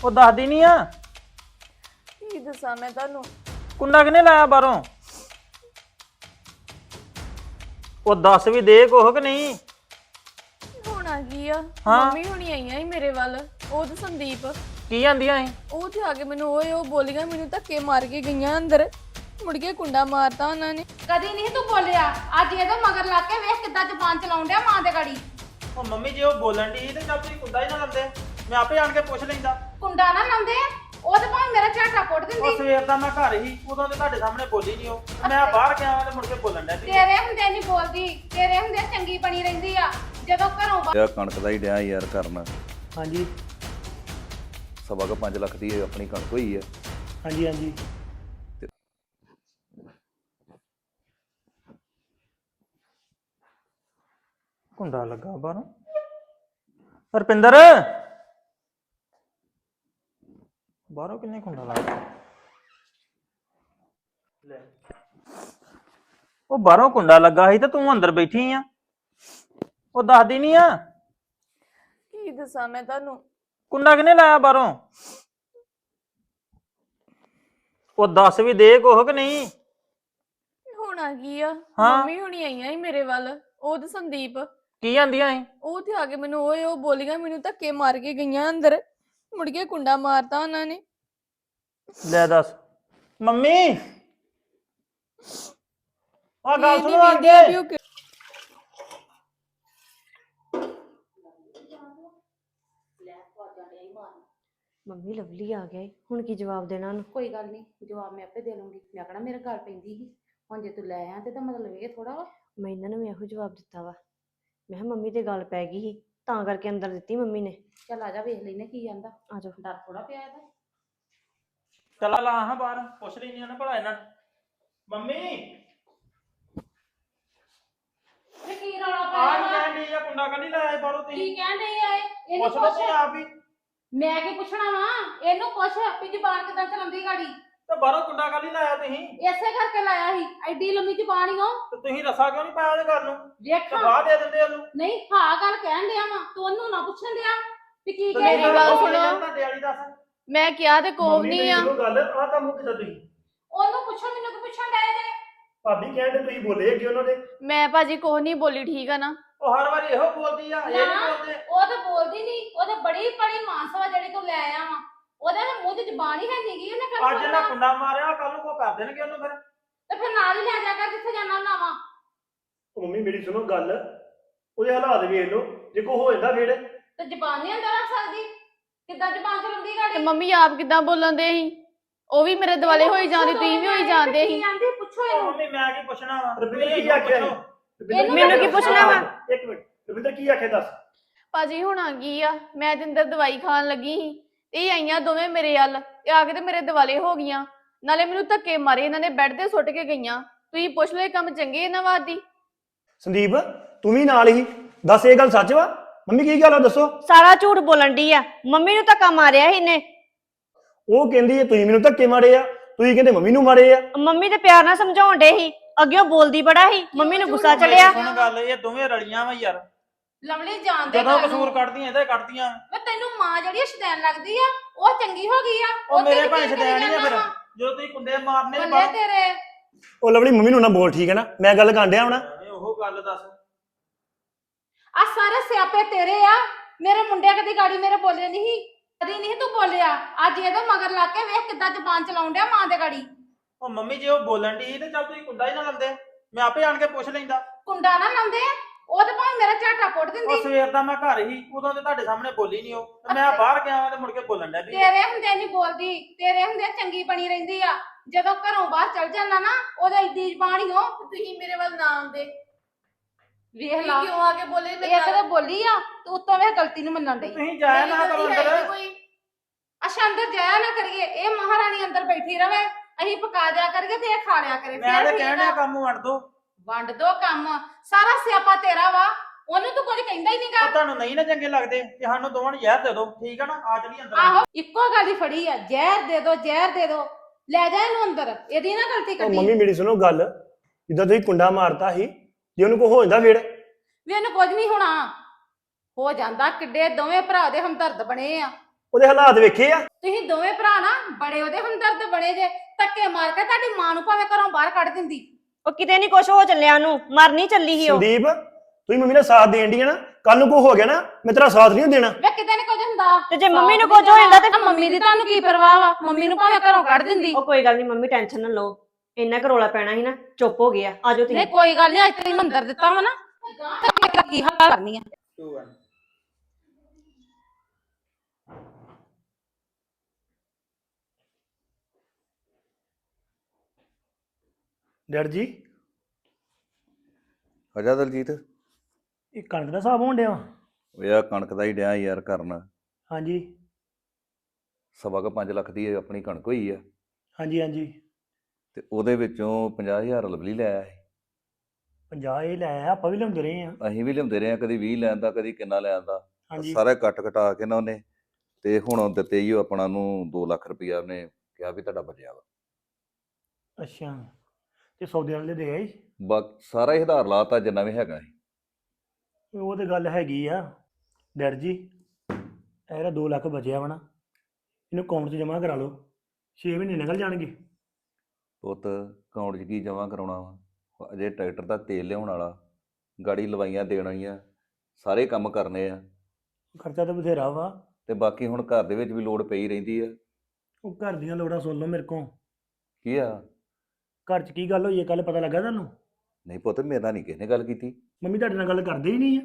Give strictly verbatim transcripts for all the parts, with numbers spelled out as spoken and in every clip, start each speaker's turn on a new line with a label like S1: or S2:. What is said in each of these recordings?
S1: ਉਹ ਦੱਸਦੀ ਨਹੀਂ ਆ।
S2: ਕੀ ਦੱਸਾਂ ਮੈਂ ਤੁਹਾਨੂੰ?
S1: ਕੁੰਡਾ ਕਿਨੇ ਲਾਇਆ ਬਾਹਰੋਂ? ਉਹ ਦੱਸ ਵੀ ਦੇ ਕੁਛ ਕਿ ਨਹੀਂ।
S2: ਹੋਣਾ ਕੀ ਆ?
S1: ਹਾਂ।
S2: ਮੰਮੀ ਹੁਣੀ ਆਈਆਂ ਸੀ ਮੇਰੇ ਵੱਲ। ਉਹ ਤੇ ਸੰਦੀਪ
S1: ਕੀ ਆਂਦੀਆਂ ਸੀ?
S2: ਉਹ ਤੇ ਆ ਕੇ ਮੈਨੂੰ ਓਏ ਉਹ ਬੋਲੀਆਂ, ਮੈਨੂੰ ਧੱਕੇ ਮਾਰ ਕੇ ਗਈਆਂ ਅੰਦਰ। ਮੁੜ ਕੇ ਕੁੰਡਾ ਮਾਰਤਾ ਉਹਨਾਂ ਨੇ।
S3: ਕਦੀ ਨਹੀਂ ਤੂੰ ਬੋਲਿਆ, ਅੱਜ ਇਹਦੇ ਮਗਰ ਲੱਗ ਕੇ ਵੇਖ ਕਿੱਦਾਂ ਜ਼ੁਬਾਨ ਚਲਾਉਣ ਡਿਆ ਮਾਂ ਦੇ ਗਾੜੀ।
S1: ਉਹ ਮੰਮੀ ਜੇ ਉਹ ਬੋਲਣ ਦੀ ਤੇ ਚੱਲ ਤੁਸੀਂ ਕੁੰਡਾ ਹੀ ਨਾ ਲਾਉਂਦੇ, ਮੈਂ ਆਪੇ ਆਣ ਕੇ ਪੁੱਛ ਲੈਂਦਾ।
S3: ਕੁੰਡਾ ਨਾ ਲਾਉਂਦੇ ਉਹ ਤੇ ਭਾਵੇਂ ਮੇਰਾ ਝਾਟਾ ਪੁੱਟ
S1: ਉਹ
S3: ਦਿੰਦੀ।
S1: ਸਵੇਰ ਦਾ ਮੈਂ ਘਰ ਹੀ, ਉਦੋਂ ਤੇ ਤੁਹਾਡੇ ਸਾਹਮਣੇ ਬੋਲੀ ਨਹੀਂ ਉਹ। ਮੈਂ ਬਾਹਰ ਗਿਆ ਤੇ ਮੁੜ ਕੇ ਬੋਲਣ ਡਿਆ ਸੀ।
S3: ਤੇਰੇ ਹੁੰਦੇ ਨਹੀਂ ਬੋਲਦੀ, ਤੇਰੇ ਹੁੰਦੇ ਚੰਗੀ ਬਣੀ ਰਹਿੰਦੀ ਆ। ਜਦੋਂ ਘਰੋਂ ਬਾਹਰ
S4: ਯਾ ਕਣਕ ਦਾ ਹੀ ਡਿਆ ਯਾਰ ਕਰਨਾ।
S5: ਹਾਂਜੀ
S4: ਸਵਾ ਕੁ ਪੰਜ ਲੱਖ ਦੀ ਇਹ ਆਪਣੀ ਕਣਕ ਹੋਈ ਆ।
S5: ਹਾਂਜੀ ਹਾਂਜੀ
S1: ਕੁੰਡਾ ਲੱਗਾ ਬਾਹਰੋਂ। ਰਪਿੰਦਰ ਬਾਹਰੋਂ ਕਿੰਨੇ ਕੁੰਡਾ ਲਾਇਆ? ਲੈ ਉਹ ਬਾਹਰੋਂ ਕੁੰਡਾ ਲੱਗਾ ਸੀ ਤੇ ਤੂੰ ਅੰਦਰ ਬੈਠੀ ਆ। ਉਹ ਦੱਸਦੀ ਨਹੀਂ ਆ।
S2: ਕੀ ਦੱਸਾਂ ਮੈਂ ਤੁਹਾਨੂੰ?
S1: ਕੁੰਡਾ ਕਿਨੇ ਲਾਇਆ ਬਾਹਰੋਂ? ਉਹ ਦੱਸ ਵੀ ਦੇ ਕੁਛ ਕਿ ਨਹੀਂ।
S2: ਹੋਣਾ ਕੀ ਆ?
S1: ਹਾਂ।
S2: ਮੰਮੀ ਹੁਣੀ ਆਈਆਂ ਸੀ ਮੇਰੇ ਵੱਲ। ਉਹ ਤੇ ਸੰਦੀਪ
S1: ਕੀ ਆਂਦੀਆਂ ਸੀ?
S2: ਉਹ ਤੇ ਆ ਕੇ ਮੈਨੂੰ ਓਏ ਉਹ ਬੋਲੀਆਂ, ਮੈਨੂੰ ਧੱਕੇ ਮਾਰ ਕੇ ਗਈਆਂ ਅੰਦਰ। ਮੁੜ ਕੇ ਕੁੰਡਾ ਮਾਰਤਾ ਉਹਨਾਂ ਨੇ।
S1: ਲੈ ਦੱਸ ਮੰਮੀ ਆ ਗੱਲ
S2: ਇਹ ਨੀ
S1: ਸੁਣੋ ਆ
S2: ਵੇਖਦੇ ਆ ਵੀ
S1: ਕੇ।
S2: ਉਹ ਕਿ-
S6: ਮੰਮੀ ਲਵਲੀ ਆ ਗਿਆ ਏ, ਹੁਣ ਕੀ ਜਵਾਬ ਦੇਣਾ ਉਹਨੂੰ?
S3: ਕੋਈ ਗੱਲ ਨਹੀਂ, ਜਵਾਬ ਮੈਂ ਆਪੇ ਦੇ ਲੂੰਗੀ। ਮੈਂ ਕਹਣਾ ਮੇਰੇ ਗੱਲ ਪੈਂਦੀ ਸੀ, ਹੁਣ ਜੇ ਤੂੰ ਲੈ ਆ ਤੇ ਤਾਂ ਮਤਲਬ ਇਹ ਥੋੜਾ ਵਾ।
S6: ਮੈਂ ਇਹਨਾਂ ਨੂੰ ਵੀ ਇਹੋ ਜਵਾਬ ਦਿੱਤਾ ਵਾ। ਮੈਂ ਕਿਹਾ ਮੰਮੀ ਤੇ ਗੱਲ ਪੈ ਗਈ ਸੀ ਤਾਂ ਕਰਕੇ ਅੰਦਰ ਦਿੱਤੀ ਮੰਮੀ ਨੇ।
S3: ਚੱਲ ਆ ਜਾ ਵੇਖ ਲੈਨੇ ਕੀ ਜਾਂਦਾ।
S6: ਆ ਜਾਓ।
S3: ਡਰ ਥੋੜਾ ਪਿਆ ਇਹਦਾ।
S1: ਚਲਾ ਲਾ ਹਾਂ ਬਾਹਰ ਪੁੱਛ ਲਈ ਨਹੀਂ ਨਾ ਭਲਾ ਇਹਨਾਂ ਨੂੰ। ਮੰਮੀ
S3: ਇਹ ਕੀ ਰੌਲਾ
S1: ਆ
S3: ਪਾਇਆ ਵਾ?
S1: ਕਹਿੰਦੀ ਆ ਕੁੰਡਾ ਕੱਢੀ ਲਾਇਆ ਬਾਹਰੋਂ
S3: ਕੀ
S1: ਤੁਸੀਂ।
S3: ਕਹਿਣ ਡਈ ਆ ਇਹ? ਇਹਨੂੰ
S1: ਪੁੱਛ ਲਓ
S3: ਪੁੱਛ।
S1: ਤੁਸੀਂ ਆਪ ਹੀ।
S3: ਮੈਂ ਕੀ ਪੁੱਛਣਾ ਵਾ? ਇਹਨੂੰ ਪੁੱਛ ਵੀ ਜ਼ੁਬਾਨ ਕਿੱਦਾਂ ਚਲਾਉਂਦੀ ਗਾੜੀ।
S1: ਤੇ ਬਾਹਰੋਂ ਕੁੰਡਾ ਕੱਢੀ ਲਾਇਆ ਤੁਸੀਂ
S3: ਇਸੇ ਕਰਕੇ ਲਾਇਆ ਸੀ, ਐਡੀ ਲੰਮੀ ਜ਼ੁਬਾਨ ਹੀ ਉਹ।
S1: ਤੇ ਤੁਸੀਂ ਰਸਾ ਕਿਉਂ ਨਹੀਂ ਪਾਇਆ ਉਹਦੇ ਗੱਲ ਨੂੰ? ਤੇ
S3: ਵੇਖਾਂ
S1: ਬਾਹ ਦੇ ਦਿੰਦੇ ਉਹਨੂੰ।
S3: ਨਹੀਂ ਹਾਂ ਗੱਲ ਕਹਿਣ ਡਿਆ ਵਾ, ਤੂੰ ਉਹਨੂੰ ਨਾ ਪੁੱਛਣ ਡਿਆ ਵੀ ਕੀ
S1: ਤੇ
S3: ਕਹਿ
S2: ਮੇਰੀ
S3: ਰਹੀ
S2: ਗੱਲ
S3: ਆ।
S2: ਸੁਣੋ।
S1: ਤੁਹਾਡੇ ਵਾਲੀ ਦੱਸ।
S2: ਮੈਂ ਕਿਹਾ ਤੇ ਕੋਹ ਨਹੀਂ ਆ।
S5: ਗੱਲ ਆਹ ਕੰਮ ਕਿਦਾਂ ਤੁਸੀਂ
S3: ਉਹਨੂੰ ਪੁੱਛੋ, ਮੈਨੂੰ ਕੀ ਪੁੱਛਣ ਡਿਆ ਜੇ?
S5: ਭਾਬੀ ਕਹਿੰਦੇ ਤੁਸੀਂ ਬੋਲੇ ਅੱਗੇ ਉਹਨਾਂ ਦੇ।
S2: ਮੈਂ ਭਾਜੀ ਕੋਹ ਨਹੀਂ ਬੋਲੀ, ਠੀਕ ਆ ਨਾ?
S1: ਉਹ ਹਰ ਵਾਰੀ ਇਹੋ ਬੋਲਦੀ ਆ, ਇਹ ਨਹੀਂ ਬੋਲਦੇ।
S3: ਉਹ ਤਾਂ ਬੋਲਦੀ ਨਹੀਂ, ਉਹ ਤਾਂ ਬੜੀ ਬੜੀ ਮਾਨਸਵਾ ਜਿਹੜੀ ਤੂੰ ਲੈ ਆਇਆ ਵਾ। ਉਹਦੇ ਨਾ ਮੂੰਹ 'ਚ ਜ਼ਬਾਨ ਹੀ ਹੈ ਨਹੀਂਗੀ। ਉਹਨੇ ਕਰ
S1: ਅੱਜ ਇਹਨਾਂ ਕੁੰਡਾ ਮਾਰਿਆ, ਕੱਲ ਨੂੰ ਕੋ ਕਰ ਦੇਣਗੇ ਉਹਨੂੰ ਫਿਰ।
S3: ਤੇ ਫਿਰ ਨਾਲ ਹੀ ਲੈ ਜਾ ਕਰ ਜਿੱਥੇ ਜਾਣਾ ਹੁੰਦਾ ਵਾ।
S5: ਉਹ ਮੰਮੀ ਮੇਰੀ ਸੁਣੋ ਗੱਲ, ਉਹਦੇ ਹਾਲਾਤ ਵੇਖ ਲਓ, ਜੇ ਕੋ ਹੋ ਜਾਂਦਾ ਫੇਰ।
S3: ਤੇ ਜ਼ਬਾਨ ਨਹੀਂ ਅੰਦਰ ਰੱਖ ਸਕਦੀ, ਕਿੱਦਾਂ ਜ਼ਬਾਨ ਚਲਾਉਂਦੀ
S2: ਤੇ
S3: ਗਾੜੀ?
S2: ਮੰਮੀ ਆਪ ਕਿੱਦਾਂ ਬੋਲਣ ਦੇ ਸੀ? ਉਹ ਵੀ ਮੇਰੇ ਦੁਆਲੇ ਹੋਈ ਜਾਂਦੀ, ਤੁਸੀਂ ਵੀ ਹੋਈ ਜਾਂਦੇ ਸੀ।
S3: ਜਾਂਦੀ ਪੁੱਛੋ
S1: ਉਹ
S3: ਇਹਨੂੰ।
S1: ਮੰਮੀ ਮੈਂ ਕੀ ਪੁੱਛਣਾ ਵਾ?
S5: ਰਵਿੰਦਰ ਕੀ ਆਖਿਆ ਸੀ? ਰਵਿੰਦਰ
S2: ਮੈਨੂੰ ਕੀ ਪੁੱਛਣਾ ਵਾ?
S5: ਇੱਕ ਮਿੰਟ, ਰਵਿੰਦਰ ਕੀ ਆਖਿਆ ਦੱਸ।
S2: ਭਾਜੀ ਹੋਣਾ ਕੀ ਆ? ਮੈਂ ਤੇ ਅੰਦਰ ਦਵਾਈ ਖਾਣ ਲੱਗੀ ਸੀ ਤੇ ਇਹ ਆਈਆਂ ਦੋਵੇਂ ਮੇਰੇ ਵੱਲ ਤੇ ਆ ਕੇ ਤੇ ਮੇਰੇ ਦਿਵਾਲੇ ਹੋ ਗਈਆਂ। ਨਾਲੇ ਮੈਨੂੰ ਧੱਕੇ ਮਾਰੇ ਇਹਨਾਂ ਨੇ, ਬੈੱਡ ਤੇ ਸੁੱਟ ਕੇ ਗਈਆਂ। ਤੁਸੀਂ ਪੁੱਛ ਲਓ ਇਹ ਕੰਮ ਚੰਗੇ ਇਹਨਾਂ ਵਾਦੀ।
S5: ਸੰਦੀਪ ਤੂੰ ਵੀ ਨਾਲ ਹੀ ਦੱਸ, ਇਹ ਗੱਲ ਸੱਚ ਵਾ? ਮੰਮੀ ਕੀ ਗੱਲ ਆ ਦੱਸੋ।
S6: ਸਾਰਾ ਝੂਠ ਬੋਲਣ ਦੀ ਆ। ਮੰਮੀ ਨੂੰ ਧੱਕਾ ਮਾਰਿਆ ਸੀ ਇਹਨੇ।
S5: ਉਹ ਕਹਿੰਦੀ ਹੈ ਤੁਸੀਂ ਮੈਨੂੰ ਧੱਕੇ ਮਾਰੇ ਆ, ਤੁਸੀਂ ਕਹਿੰਦੇ ਮੰਮੀ ਨੂੰ ਮਾਰੇ ਆ।
S6: ਮੰਮੀ ਤੇ ਪਿਆਰ ਨਾਲ ਸਮਝਾਉਣ ਡੇ ਸੀ, ਅੱਗੇ ਉਹ ਬੋਲਦੀ ਬੜਾ ਸੀ, ਮੰਮੀ ਨੂੰ ਗੁੱਸਾ ਚੜਿਆ।
S1: ਸੁਣ ਗੱਲ, ਇਹ ਦੋਵੇਂ ਰਲੀਆਂ ਵਾ ਯਾਰ।
S3: ਲਵਲੀ ਜਾਣਦੇ
S1: ਜਦੋਂ ਕਸੂਰ ਕੱਢਦੀਆਂ ਇਹਦੇ ਕੱਢਦੀਆਂ।
S3: ਵੇ ਤੈਨੂੰ ਮਾਂ ਜਿਹੜੀ ਸ਼ੈਤਾਨ ਲੱਗਦੀ ਆ, ਉਹ ਚੰਗੀ ਹੋ ਗਈ ਆ।
S1: ਉਹ ਮੇਰੇ
S3: ਤੇਰੀ
S1: ਭਾਂ
S3: ਕੀ
S1: ਛਡਿਆ ਨਹੀਂ ਆ ਫਿਰ।
S3: ਜਾਣਾ ਵਾ?
S1: ਜਦੋਂ ਤੁਸੀਂ ਕੁੰਡੇ ਮਾਰਨੇ
S3: ਬੱਲੇ
S1: ਬਾਹਰ।
S3: ਤੇਰੇ।
S5: ਉਹ ਲਵਲੀ ਮੰਮੀ ਨੂੰ ਨਾ ਬੋਲ, ਠੀਕ ਹੈ ਨਾ? ਮੈਂ ਗੱਲ ਕਰਨ ਡਿਆ ਹੁਣ।
S1: ਐਵੇਂ ਉਹ ਗੱਲ ਦੱਸ।
S3: ਆ ਸਾਰੇ ਸਿਆਪੇ ਤੇਰੇ ਆ। ਮੇਰੇ ਮੁੰਡੇ ਕਦੀ ਗਾੜੀ ਮੇਰੇ ਬੋਲੇ ਨਹੀਂ, ਕਦੀ ਨਹੀਂ ਤੂੰ ਬੋਲਿਆ। ਅੱਜ ਇਹਦੇ ਮਗਰ ਲੱਗ ਕੇ ਵੇਖ ਕਿੱਦਾਂ ਜ਼ਬਾਨ ਚਲਾਉਣ ਡਿਆ ਮਾਂ ਦੇ ਗਾੜੀ।
S1: ਉਹ ਮੰਮੀ ਜੇ ਉਹ ਬੋਲਣ ਦੀ ਤੇ ਚੱਲ ਤੁਸੀਂ ਕੁੰਡਾ ਹੀ ਨਾ ਲਾਉਂਦੇ, ਮੈਂ ਆਪੇ ਆਣ ਕੇ ਪੁੱਛ ਲੈਂਦਾ।
S3: ਕੁੰਡਾ ਨਾ ਲਾਉਂਦੇ ਉਹ ਤੇ ਭਾਵੇਂ ਮੇਰਾ ਝਾਟਾ ਪੁੱਟ
S1: ਉਹ
S3: ਦਿੰਦੀ।
S1: ਸਵੇਰ ਦਾ ਮੈਂ ਘਰ ਹੀ, ਉਦੋਂ ਤੇ ਤੁਹਾਡੇ ਸਾਹਮਣੇ ਬੋਲੀ ਨਹੀਂ ਉਹ। ਤੇ ਮੈਂ ਬਾਹਰ ਗਿਆ ਤੇ ਮੁੜ ਕੇ ਬੋਲਣ ਡਿਆ ਵੀ।
S3: ਤੇਰੇ ਹੁੰਦੇ ਨਹੀਂ ਬੋਲਦੀ, ਤੇਰੇ ਹੁੰਦੇ ਚੰਗੀ ਬਣੀ ਰਹਿੰਦੀ ਆ। ਜਦੋਂ ਘਰੋਂ ਬਾਹਰ ਚਲ ਜਾਂਦਾ ਨਾ, ਉਹਦਾ ਇੱਦੀ ਜ਼ਬਾਨ ਹੀ ਹੋ।
S2: ਤੁਸੀਂ ਮੇਰੇ ਵੱਲ ਨਾ ਆਉਂਦੇ।
S3: ਵੇਖ ਲਾ
S2: ਕਿਉਂ ਆ ਕੇ ਬੋਲੇ
S3: ਇਹ ਕਦੇ ਬੋਲੀ ਆ ਤੇ ਉੱਤੋਂ ਵੇ ਗਲਤੀ ਨੂੰ ਮੰਨਣ ਡਈ।
S1: ਤੁਸੀਂ ਜਾਇਆ ਨਾ ਕਰੋ ਅੰਦਰ।
S3: ਅੱਛਾ ਅੰਦਰ ਜਾਇਆ ਨਾ ਕਰੀਏ, ਇਹ ਮਹਾਰਾਣੀ ਅੰਦਰ ਬੈਠੀ ਰਵੇ, ਅਸੀਂ ਪਕਾ ਦਿਆ ਕਰੀਏ ਤੇ ਇਹ ਖਾ ਲਿਆ ਕਰੇ।
S1: ਮੈਂ
S3: ਫਿਰ
S1: ਤੇ
S3: ਠੀਕ
S1: ਕਹਿਣ
S3: ਆ।
S1: ਡਿਆ ਕੰਮ ਵੰਡ ਦੋ।
S3: ਵੰਡ ਦੋ ਕੰਮ, ਸਾਰਾ ਸਿਆਪਾ ਤੇਰਾ ਵਾ। ਉਹਨੂੰ ਤੂੰ ਕੁਝ ਕਹਿੰਦਾ ਹੀ ਨਹੀਂਗਾ।
S1: ਉਹ ਤੁਹਾਨੂੰ ਨਹੀਂ ਨਾ ਚੰਗੇ ਲੱਗਦੇ ਤੇ ਸਾਨੂੰ ਦੋਵਾਂ ਨੂੰ ਜ਼ਹਿਰ ਦੇ ਦਿਓ, ਠੀਕ ਆ ਨਾ? ਆ ਚਲੀ ਅੰਦਰ।
S3: ਆਹੋ ਇੱਕੋ ਗੱਲ ਹੀ ਫੜੀ ਆ, ਜ਼ਹਿਰ ਦੇ ਦੋ ਜ਼ਹਿਰ ਦੇ ਦੋ। ਲੈ ਜਾ ਇਹਨੂੰ ਅੰਦਰ, ਇਹਦੀ ਨਾ ਗਲਤੀ
S5: ਉਹ
S3: ਕੱਢੀ।
S5: ਮੰਮੀ ਮੇਰੀ ਸੁਣੋ ਗੱਲ, ਜਿੱਦਾਂ ਤੁਸੀਂ ਕੁੰਡਾ ਮਾਰਤਾ ਸੀ, ਜੇ ਉਹਨੂੰ ਕੋ ਹੋ ਜਾਂਦਾ ਫੇਰ।
S3: ਵੀ ਇਹਨੂੰ ਕੁਝ ਨਹੀਂ ਹੋਣਾ। ਹੋ ਜਾਂਦਾ, ਕਿੱਡੇ ਦੋਵੇਂ ਭਰਾ ਦੇ ਹਮਦਰਦ ਬਣੇ ਆ।
S5: ਉਹਦੇ ਹਾਲਾਤ ਵੇਖੇ ਆ।
S3: ਤੁਸੀਂ ਦੋਵੇਂ ਭਰਾ ਨਾ ਬੜੇ ਉਹਦੇ ਹਮਦਰਦ ਬਣੇ ਜੇ, ਧੱਕੇ ਮਾਰ ਕੇ ਤੁਹਾਡੀ ਮਾਂ ਨੂੰ ਭਾਵੇਂ ਘਰੋਂ ਬਾਹਰ ਕੱਢ ਦਿੰਦੀ।
S6: ਉਹ ਕਿਤੇ ਨਹੀਂ ਕੁਛ ਹੋ ਚੱਲਿਆ ਉਹਨੂੰ, ਮਰਨੀ ਚੱਲੀ ਸੀ ਉਹ।
S5: ਸੰਦੀਪ ਤੁਸੀਂ ਮੰਮੀ ਦਾ ਸਾਥ ਦੇਣ ਦੀ ਆ ਨਾ, ਕੱਲ ਨੂੰ ਕੋਈ ਹੋ ਗਿਆ ਨਾ ਮੈਂ ਤੇਰਾ ਸਾਥ ਨਹੀਂ ਦੇਣਾ।
S3: ਵੇ ਕਿਤੇ ਨੀ ਕੁਝ ਹੁੰਦਾ।
S6: ਤੇ ਜੇ ਮੰਮੀ ਨੂੰ ਕੁਝ ਹੋ ਜਾਂਦਾ ਤੇ
S3: ਮੰਮੀ ਦੀ ਤੁਹਾਨੂੰ ਕੀ ਪਰਵਾਹ ਵਾ? ਮੰਮੀ ਨੂੰ ਭਾਵੇਂ ਘਰੋਂ ਕੱਢ ਦਿੰਦੀ।
S6: ਉਹ ਕੋਈ ਗੱਲ ਨਹੀਂ ਮੰਮੀ, ਟੈਨਸ਼ਨ ਨਾ ਲਓ, ਇੰਨਾ ਕੁ ਰੌਲਾ ਪੈਣਾ ਸੀ ਨਾ, ਚੁੱਪ ਹੋ ਗਿਆ। ਆਜੋ ਤੁਸੀਂ।
S3: ਨਹੀਂ ਕੋਈ ਗੱਲ ਨਹੀਂ, ਅੱਜ ਤੈਨੂੰ ਮੰਦਰ ਦਿੱਤਾ ਵਾ ਨਾ, ਤੇ ਮੇਰਾ ਕੀ ਹਾਲ ਕਰਨੀ ਆ।
S5: ਡੈਡ ਜੀ
S4: ਅਜਾ ਦਲਜੀਤ,
S5: ਇਹ ਕਣਕ ਦਾ ਹਿਸਾਬ ਹੋਣ ਡਿਆ ਵਾ।
S4: ਉਹ ਯਾਰ ਕਣਕ ਦਾ ਹੀ ਡਿਆ ਯਾਰ ਕਰਨ।
S5: ਹਾਂਜੀ
S4: ਸਵਾ ਕੁ ਪੰਜ ਲੱਖ ਦੀ ਆਪਣੀ ਕਣਕ ਹੋਈ ਆ,
S5: ਹਾਂਜੀ ਹਾਂਜੀ
S4: ਤੇ ਉਹਦੇ ਵਿੱਚੋਂ ਪੰਜਾਹ ਹਜ਼ਾਰ ਲਵਲੀ ਲੈ ਆਇਆ ਸੀ।
S5: ਪੰਜਾਹ ਇਹ ਲੈ ਆਇਆ, ਆਪਾਂ ਵੀ ਲਿਆਉਂਦੇ ਰਹੇ ਆ।
S4: ਅਸੀਂ ਵੀ ਲਿਆਉਂਦੇ ਰਹੇ ਆ, ਕਦੀ ਵੀਹ ਲੈਣ ਦਾ, ਕਦੀ ਕਿੰਨਾ ਲੈਣ ਦਾ।
S5: ਹਾਂਜੀ
S4: ਸਾਰੇ ਕੱਟ ਕਟਾ ਕੇ ਨਾ ਉਹਨੇ, ਤੇ ਹੁਣ ਦਿੱਤੇ ਹੀ ਉਹ ਆਪਣਾ ਨੂੰ ਦੋ ਲੱਖ ਰੁਪਇਆ ਉਹਨੇ ਕਿਹਾ ਵੀ ਤੁਹਾਡਾ ਬਚਿਆ ਵਾ।
S5: ਅੱਛਾ, ਤੇ ਸੌਦੇ ਵਾਲੇ ਦੇ ਆਈ।
S4: ਬਸ ਸਾਰਾ ਹੀ ਆਧਾਰ ਲਾਤਾ ਜਿੰਨਾ ਵੀ ਹੈਗਾ ਸੀ।
S5: ਉਹ ਤੇ ਗੱਲ ਹੈਗੀ ਆ ਡੈਡ ਜੀ, ਇਹਦਾ ਦੋ ਲੱਖ ਬਚਿਆ ਵਾ ਨਾ, ਇਹਨੂੰ ਅਕਾਊਂਟ 'ਚ ਜਮ੍ਹਾਂ ਕਰਾ ਲਓ, ਛੇ ਮਹੀਨੇ ਨਿਕਲ ਜਾਣਗੇ।
S4: ਪੁੱਤ ਅਕਾਊਂਟ 'ਚ ਕੀ ਜਮ੍ਹਾਂ ਕਰਾਉਣਾ ਵਾ? ਅਜੇ ਟਰੈਕਟਰ ਦਾ ਤੇਲ ਲਿਆਉਣ ਵਾਲਾ, ਗਾੜੀ ਲਵਾਈਆਂ ਦੇਣ ਵਾਲੀਆਂ, ਸਾਰੇ ਕੰਮ ਕਰਨੇ ਆ।
S5: ਖਰਚਾ ਤਾਂ ਬਥੇਰਾ ਵਾ।
S4: ਤੇ ਬਾਕੀ ਹੁਣ ਘਰ ਦੇ ਵਿੱਚ ਵੀ ਲੋੜ ਪਈ ਰਹਿੰਦੀ ਆ।
S5: ਉਹ ਘਰ ਦੀਆਂ ਲੋੜਾਂ ਸੁਣ ਲਓ ਮੇਰੇ ਕੋਲ।
S4: ਕੀ ਆ?
S5: ਘਰ 'ਚ ਕੀ ਗੱਲ ਹੋਈ ਹੈ ਕੱਲ ਪਤਾ ਲੱਗਾ ਤੁਹਾਨੂੰ?
S4: ਨਹੀਂ ਪੁੱਤ, ਮੇਰੇ ਨਾਲ ਨਹੀਂ ਕਿਸੇ ਨੇ ਗੱਲ ਕੀਤੀ।
S5: ਮੰਮੀ ਤੁਹਾਡੇ ਨਾਲ ਗੱਲ ਕਰਦੇ ਹੀ ਨਹੀਂ ਆ।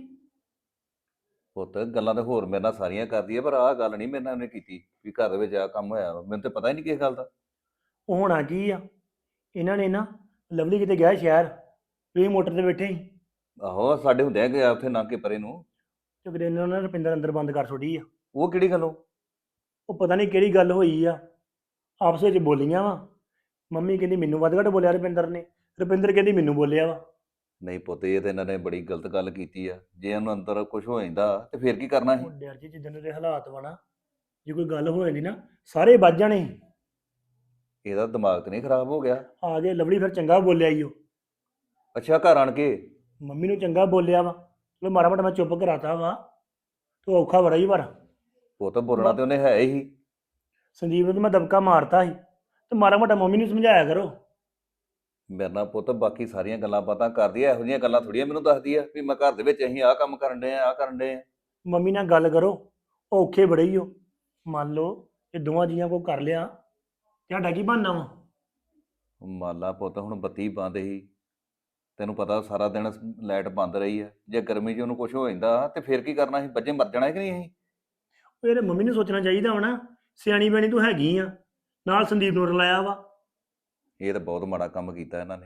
S4: ਪੁੱਤ ਗੱਲਾਂ ਤਾਂ ਹੋਰ ਮੇਰੇ ਨਾਲ ਸਾਰੀਆਂ ਕਰਦੀ ਆ, ਪਰ ਆਹ ਗੱਲ ਨਹੀਂ ਮੇਰੇ ਨਾਲ ਉਹਨੇ ਕੀਤੀ ਵੀ ਘਰ ਦੇ ਵਿੱਚ ਆਹ ਕੰਮ ਹੋਇਆ ਵਾ। ਮੈਨੂੰ ਤਾਂ ਪਤਾ ਹੀ ਨਹੀਂ ਕਿਸ ਗੱਲ ਦਾ।
S5: ਉਹ ਹੋਣਾ ਕੀ ਆ, ਇਹਨਾਂ ਨੇ ਨਾ ਲਵਲੀ ਕਿਤੇ ਗਿਆ ਸ਼ਹਿਰ, ਤੁਸੀਂ ਮੋਟਰ ਤੇ ਬੈਠੇ ਸੀ,
S4: ਆਹੋ ਸਾਡੇ ਹੁੰਦਿਆਂ ਗਿਆ ਉੱਥੇ ਨਾਕੇ ਪਰੇ ਨੂੰ।
S5: ਤੇ ਕਿਤੇ ਇਹਨਾਂ ਨੇ ਰੁਪਿੰਦਰ ਅੰਦਰ ਬੰਦ ਕਰ ਛੋੜੀ ਆ।
S4: ਉਹ ਕਿਹੜੀ ਗੱਲੋਂ?
S5: ਉਹ ਪਤਾ ਨਹੀਂ ਕਿਹੜੀ ਗੱਲ ਹੋਈ ਆ, ਆਪਸ ਵਿੱਚ ਬੋਲੀਆਂ ਵਾ। ਮੰਮੀ ਕਹਿੰਦੀ ਮੈਨੂੰ ਵੱਧ ਘੱਟ ਬੋਲਿਆ ਰੁਪਿੰਦਰ ਨੇ, ਰੁਪਿੰਦਰ ਕਹਿੰਦੀ ਮੈਨੂੰ ਬੋਲਿਆ ਵਾ।
S4: ਨਹੀਂ ਪੁੱਤ, ਇਹ ਤਾਂ ਇਹਨਾਂ ਨੇ ਬੜੀ ਗਲਤ ਗੱਲ ਕੀਤੀ ਆ। ਜੇ ਉਹਨੂੰ ਅੰਦਰ ਕੁਝ ਹੋ ਜਾਂਦਾ ਤੇ ਫਿਰ ਕੀ ਕਰਨਾ ਸੀ?
S5: ਉਹ ਡਰ ਜੀ ਜਿੱਦਣ ਦੇ ਹਾਲਾਤ ਵਾ ਨਾ, ਜੇ ਕੋਈ ਗੱਲ ਹੋ ਜਾਂਦੀ ਨਾ ਸਾਰੇ ਵੱਜ ਜਾਣੇ ਸੀ।
S4: ਇਹਦਾ ਦਿਮਾਗ ਤਾਂ ਨਹੀਂ ਖਰਾਬ ਹੋ ਗਿਆ?
S5: ਆ ਗਏ ਲਵਲੀ, ਫਿਰ ਚੰਗਾ ਬੋਲਿਆ ਈ ਉਹ।
S4: ਅੱਛਾ, ਘਰ ਆਣ ਕੇ
S5: ਮੰਮੀ ਨੂੰ ਚੰਗਾ ਬੋਲਿਆ ਵਾ, ਚਲੋ ਮਾੜਾ ਮੋਟਾ ਮੈਂ ਚੁੱਪ ਕਰਾਤਾ ਵਾ। ਤੂੰ ਔਖਾ ਬੜਾ ਹੀ ਪਰ
S4: ਪੁੱਤ ਬੋਲਣਾ ਤੇ ਉਹਨੇ ਹੈ ਹੀ।
S5: ਸੰਦੀਪ ਨੂੰ ਤਾਂ ਮੈਂ ਦਬਕਾ ਮਾਰਤਾ ਸੀ, ਤੇ ਮਾੜਾ ਮੋਟਾ ਮੰਮੀ ਨੂੰ ਸਮਝਾਇਆ ਕਰੋ।
S4: ਮੇਰੇ ਨਾਲ ਪੁੱਤ ਬਾਕੀ ਸਾਰੀਆਂ ਗੱਲਾਂ ਬਾਤਾਂ ਕਰਦੀ ਆ, ਇਹੋ ਜਿਹੀਆਂ ਗੱਲਾਂ ਥੋੜੀਆਂ ਮੈਨੂੰ ਦੱਸਦੀ ਆ ਵੀ ਮੈਂ ਘਰ ਦੇ ਵਿੱਚ ਅਸੀਂ ਆਹ ਕੰਮ ਕਰਨ ਡਏ ਆ, ਆਹ ਕਰਨ ਡਏ ਆ।
S5: ਮੰਮੀ ਨਾਲ ਗੱਲ ਕਰੋ, ਉਹ ਔਖੇ ਬੜੇ ਹੀ ਹੋ। ਮੰਨ ਲਓ ਇਹ ਦੋਵਾਂ ਜੀਆਂ ਕੋ ਕਰ ਲਿਆ, ਤੁਹਾਡਾ ਕੀ ਬਣਨਾ ਵਾ?
S4: ਮੰਨ ਲਾ ਪੁੱਤ ਹੁਣ ਬੱਤੀ ਬੰਦ ਸੀ, ਤੈਨੂੰ ਪਤਾ ਸਾਰਾ ਦਿਨ ਲਾਈਟ ਬੰਦ ਰਹੀ ਆ। ਜੇ ਗਰਮੀ 'ਚ ਉਹਨੂੰ ਕੁਝ ਹੋ ਜਾਂਦਾ ਤੇ ਫਿਰ ਕੀ ਕਰਨਾ ਸੀ? ਬੱਚੇ ਮਰ ਜਾਣਾ ਕਿ ਨਹੀਂ ਅਸੀਂ?
S5: ਉਹ ਇਹਦੇ ਮੰਮੀ ਨੂੰ ਸੋਚਣਾ ਚਾਹੀਦਾ ਵਾ ਨਾ, ਸਿਆਣੀ ਬੈਣੀ ਤੂੰ ਹੈਗੀ ਆ, ਨਾਲ ਸੰਦੀਪ ਨੂੰ ਰਲਾਇਆ ਵਾ।
S4: ਇਹ ਤਾਂ ਬਹੁਤ ਮਾੜਾ ਕੰਮ ਕੀਤਾ ਇਹਨਾਂ ਨੇ।